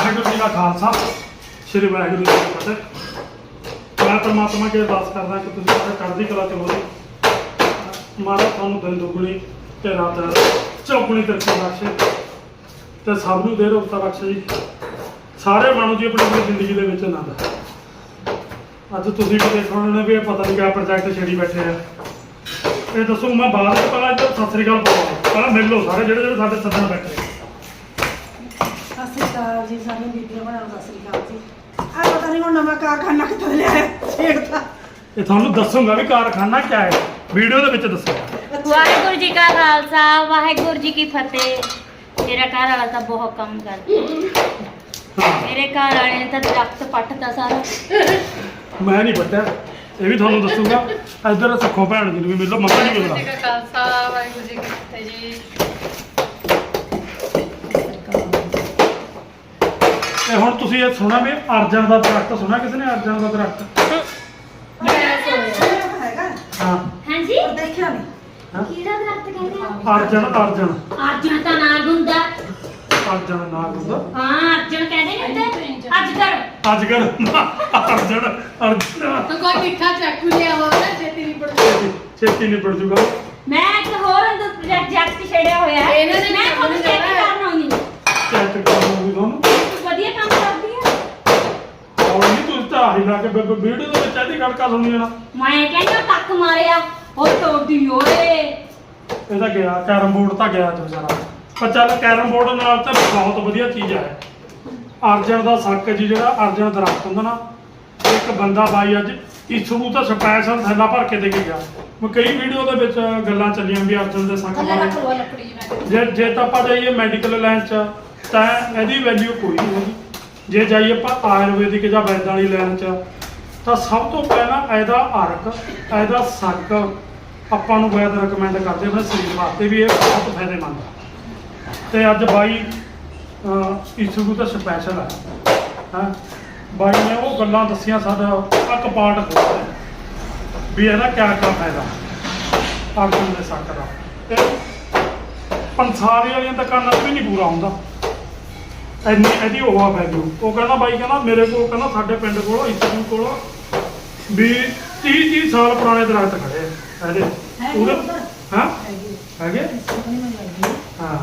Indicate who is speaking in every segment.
Speaker 1: ਵਾਹਿਗੁਰੂ ਜੀ ਦਾ ਖਾਲਸਾ ਸ੍ਰੀ ਵਾਹਿਗੁਰੂ ਜੀ ਕੀ ਫਤਿਹ। ਮੈਂ ਪਰਮਾਤਮਾ ਅੱਗੇ ਅਰਦਾਸ ਕਰਦਾ ਕਿ ਤੁਸੀਂ ਸਾਰੇ ਚੜ੍ਹਦੀ ਕਲਾ 'ਚ ਰਹੋ। ਮਹਾਰਾਜ ਤੁਹਾਨੂੰ ਦਿਨ ਦੁੱਗਣੀ ਤੇ ਰਾਤ ਚੌਗੁਣੀ ਤਰੱਕੀ ਬਖਸ਼ੇ ਤੇ ਸਭ ਨੂੰ ਦੇ ਰੋਗਤਾ ਬਖਸ਼ੇ ਜੀ। ਸਾਰੇ ਮਾਣੋ ਜੀ ਆਪਣੀ ਜ਼ਿੰਦਗੀ ਦੇ ਵਿੱਚ ਆਨੰਦ। ਅੱਜ ਤੁਸੀਂ ਵੀ ਦੇਖ ਰਹੇ ਹੋ ਵੀ ਇਹ ਪਤਾ ਨਹੀਂ ਕਿਆ ਪ੍ਰੋਜੈਕਟ ਛੇੜੀ ਬੈਠੇ ਆ। ਇਹ ਦੱਸੋ ਮੈਂ ਬਾਅਦ ਵਿੱਚ ਪਹਿਲਾਂ ਇੱਧਰ ਸਤਿ ਸ੍ਰੀ ਅਕਾਲ ਬੋਲਾਂ, ਪਹਿਲਾਂ ਮਿਲ ਲਓ ਸਾਰੇ ਜਿਹੜੇ ਸਾਡੇ ਸੱਜਣ ਬੈਠੇ।
Speaker 2: ਸਤਿ ਸ਼੍ਰੀ ਅਕਾਲ ਜੀ, ਸਾਰੀਆਂ ਬੀਬੀਆਂ ਬਣਾਓ ਸਤਿ ਸ਼੍ਰੀ ਅਕਾਲ ਜੀ। ਆ ਪਤਾ ਨਹੀਂ ਹੁਣ ਨਵਾਂ ਕਾਰਖਾਨਾ ਕਿੱਥੋਂ ਲਿਆਇਆ ਛੇੜਤਾ।
Speaker 1: ਇਹ ਤੁਹਾਨੂੰ ਦੱਸੂਗਾ ਵੀ ਕਾਰਖਾਨਾ ਕਿਆ ਹੈ, ਵੀਡੀਓ ਦੇ ਵਿੱਚ ਦੱਸੂਗਾ।
Speaker 3: ਵਾਹਿਗੁਰੂ ਜੀ ਕਾ ਖਾਲਸਾ ਵਾਹਿਗੁਰੂ ਜੀ ਕੀ ਫਤਿਹ। ਮੇਰਾ ਘਰ ਵਾਲਾ ਤਾਂ ਬਹੁਤ ਕੰਮ ਕਰਦਾ। ਮੇਰੇ ਘਰ ਵਾਲੇ ਨੇ ਤਾਂ ਦਰਖਤ ਪੱਟਦਾ ਸਾਰਾ।
Speaker 1: ਮੈਂ ਨਹੀਂ ਪੱਟਿਆ, ਇਹ ਵੀ ਤੁਹਾਨੂੰ ਦੱਸੂਗਾ। ਇੱਧਰ ਸੱਖੋ ਭੈਣ ਜੀ ਨੂੰ ਵੀ ਮਿਲੋ, ਮੰਮਾ ਜੀ ਮਿਲੋ।
Speaker 4: ਵਾਹਿਗੁਰੂ ਜੀ ਕਾ ਖਾਲਸਾ ਵਾਹਿਗੁਰੂ ਜੀ ਕੀ ਫਤਿਹ ਜੀ।
Speaker 1: ਤੇ ਹੁਣ ਤੁਸੀਂ ਇਹ ਸੁਣਿਆ ਵੀ ਅਰਜਨ ਦਾ ਦਰਖਤ ਸੁਣਿਆ ਕਿਸੇ ਨੇ? ਅਰਜਨ ਦਾ ਦਰਖਤ
Speaker 2: ਹੈਗਾ
Speaker 1: ਹਾਂ
Speaker 3: ਹਾਂਜੀ
Speaker 2: ਪਰ ਦੇਖਿਆ ਨਹੀਂ।
Speaker 1: ਹਾਂ?
Speaker 3: ਕਿਹੜਾ ਦਰਖਤ ਕਹਿੰਦੇ ਆ?
Speaker 1: ਅਰਜਨ
Speaker 3: ਅਰਜਨ ਤਾਂ ਨਾਗ ਹੁੰਦਾ।
Speaker 1: ਅਰਜਨ ਨਾਗ ਹੁੰਦਾ।
Speaker 3: ਹਾਂ ਅਰਜਨ ਕਹਿੰਦੇ ਨੇ ਤੇ ਅਜਗਰ।
Speaker 1: ਅਜਗਰ ਅਰਜਨ
Speaker 4: ਤਾਂ ਕੋਈ ਮਿੱਠਾ ਚਾਕੂ ਲਿਆ ਹੋਵੇ ਨਾ ਛੇਤੀ ਨਹੀਂ ਪੜਦਾ।
Speaker 1: ਛੇਤੀ ਨਿਬੜ ਜੂਗਾ।
Speaker 3: ਮੈਂ ਇੱਕ ਹੋਰ ਅੰਦਰ ਪ੍ਰੋਜੈਕਟ ਛੇੜਿਆ ਹੋਇਆ ਹੈ।
Speaker 4: ਇਹਨਾਂ ਨੇ
Speaker 3: ਮੈਂ ਤੁਹਾਨੂੰ ਚੈੱਕ ਕਰਨਾ ਹੁੰਦੀ
Speaker 1: ਚੈੱਕ ਕਰੂਗੀ ਤੁਹਾਨੂੰ।
Speaker 3: ਵਧੀਆ ਕੰਮ ਕਰਦੀ ਆ।
Speaker 1: ਔਰ ਨਹੀਂ ਤੁਸੀਂ ਤਾਂ ਆਹੀ ਲਾ ਕੇ ਵੀਡੀਓ ਦੇ ਵਿੱਚ ਇਹਦੀ ਗੜਕਾ ਸੁਣੀ ਜਾਣਾ।
Speaker 3: ਮੈਂ ਕਹਿੰਦਾ ਟੱਕ ਮਾਰਿਆ ਉਹ ਤੋੜੀ ਓਏ।
Speaker 1: ਇਹਦਾ ਗਿਆ ਕੈਰਮ ਬੋਰਡ ਤਾਂ ਗਿਆ ਜੋ ਸਾਰਾ। ਪਰ ਚੱਲ ਕੈਰਮ ਬੋਰਡ ਨਾਲ ਤਾਂ ਬਹੁਤ ਵਧੀਆ ਚੀਜ਼ ਹੈ। ਅਰਜਨ ਦਾ ਸੱਕ ਜੀ, ਜਿਹੜਾ ਅਰਜਨ ਦਰਖਤ ਹੁੰਦਾ ਨਾ, ਇੱਕ ਬੰਦਾ ਬਾਈ ਅੱਜ ਇਸਨੂੰ ਤਾਂ ਸਪੈਸ਼ਲ ਥੈਲਾ ਭਰ ਕੇ ਦੇ ਕੇ ਗਿਆ। ਮੈਂ ਕਈ ਵੀਡੀਓ ਦੇ ਵਿੱਚ ਗੱਲਾਂ ਚੱਲੀਆਂ ਵੀ ਅਰਜਨ ਦੇ ਸੱਕ ਬਾਰੇ।
Speaker 4: ਲੱਕੜੀ ਮੈਂ
Speaker 1: ਜੇ ਤਾਂ ਆਪਾਂ ਜਾਈਏ ਮੈਡੀਕਲ ਲਾਈਨ 'ਚ ਤਾਂ ਇਹਦੀ ਵੈਲਿਊ ਕੋਈ ਨਹੀਂ ਹੈਗੀ। ਜੇ ਜਾਈਏ ਆਪਾਂ ਆਯੁਰਵੈਦਿਕ ਜਾਂ ਵੈਦਾਂ ਵਾਲੀ ਲਾਈਨ 'ਚ ਤਾਂ ਸਭ ਤੋਂ ਪਹਿਲਾਂ ਇਹਦਾ ਅਰਕ, ਇਹਦਾ ਸੱਕ ਆਪਾਂ ਨੂੰ ਵੈਦ ਰეკਮੈਂਡ ਕਰਦੇ ਆਪਣੇ ਸਰੀਰ ਵਾਸਤੇ ਵੀ ਇਹ ਬਹੁਤ ਫਾਇਦੇਮੰਦ ਹੈ। ਤੇ ਅੱਜ ਬਾਈ ਇਸੂ ਤਾਂ ਸਪੈਸ਼ਲ ਹੈ। ਹਾਂ ਬਾਈ ਨੇ ਉਹ ਗੱਲਾਂ ਦੱਸੀਆਂ ਸਾਡਾ ਇੱਕ ਪਾਰਟ ਖੋਲ੍ਹਿਆ ਵੀ ਇਹਦਾ ਕਿਆ ਫਾਇਦਾ ਅਰਜਨ ਦੇ ਸੱਕ ਦਾ। ਤੇ ਪੰਸਾਰੀ ਵਾਲੀਆਂ ਦੁਕਾਨਾਂ 'ਤੇ ਵੀ ਨਹੀਂ ਪੂਰਾ ਹੁੰਦਾ ਇੰਨੀ ਇਹਦੀ ਉਹ ਵੈਲਿਊ। ਉਹ ਕਹਿੰਦਾ ਬਾਈ ਕਹਿੰਦਾ ਮੇਰੇ ਕੋਲ, ਕਹਿੰਦਾ ਸਾਡੇ ਪਿੰਡ ਕੋਲ ਇਸੂ ਕੋਲ ਵੀ 30 ਸਾਲ ਪੁਰਾਣੇ ਦਰਖਤ ਖੜੇ ਆ ਇਹਦੇ ਉਹਦੇ। ਹਾਂ ਹੈਗੇ ਹਾਂ।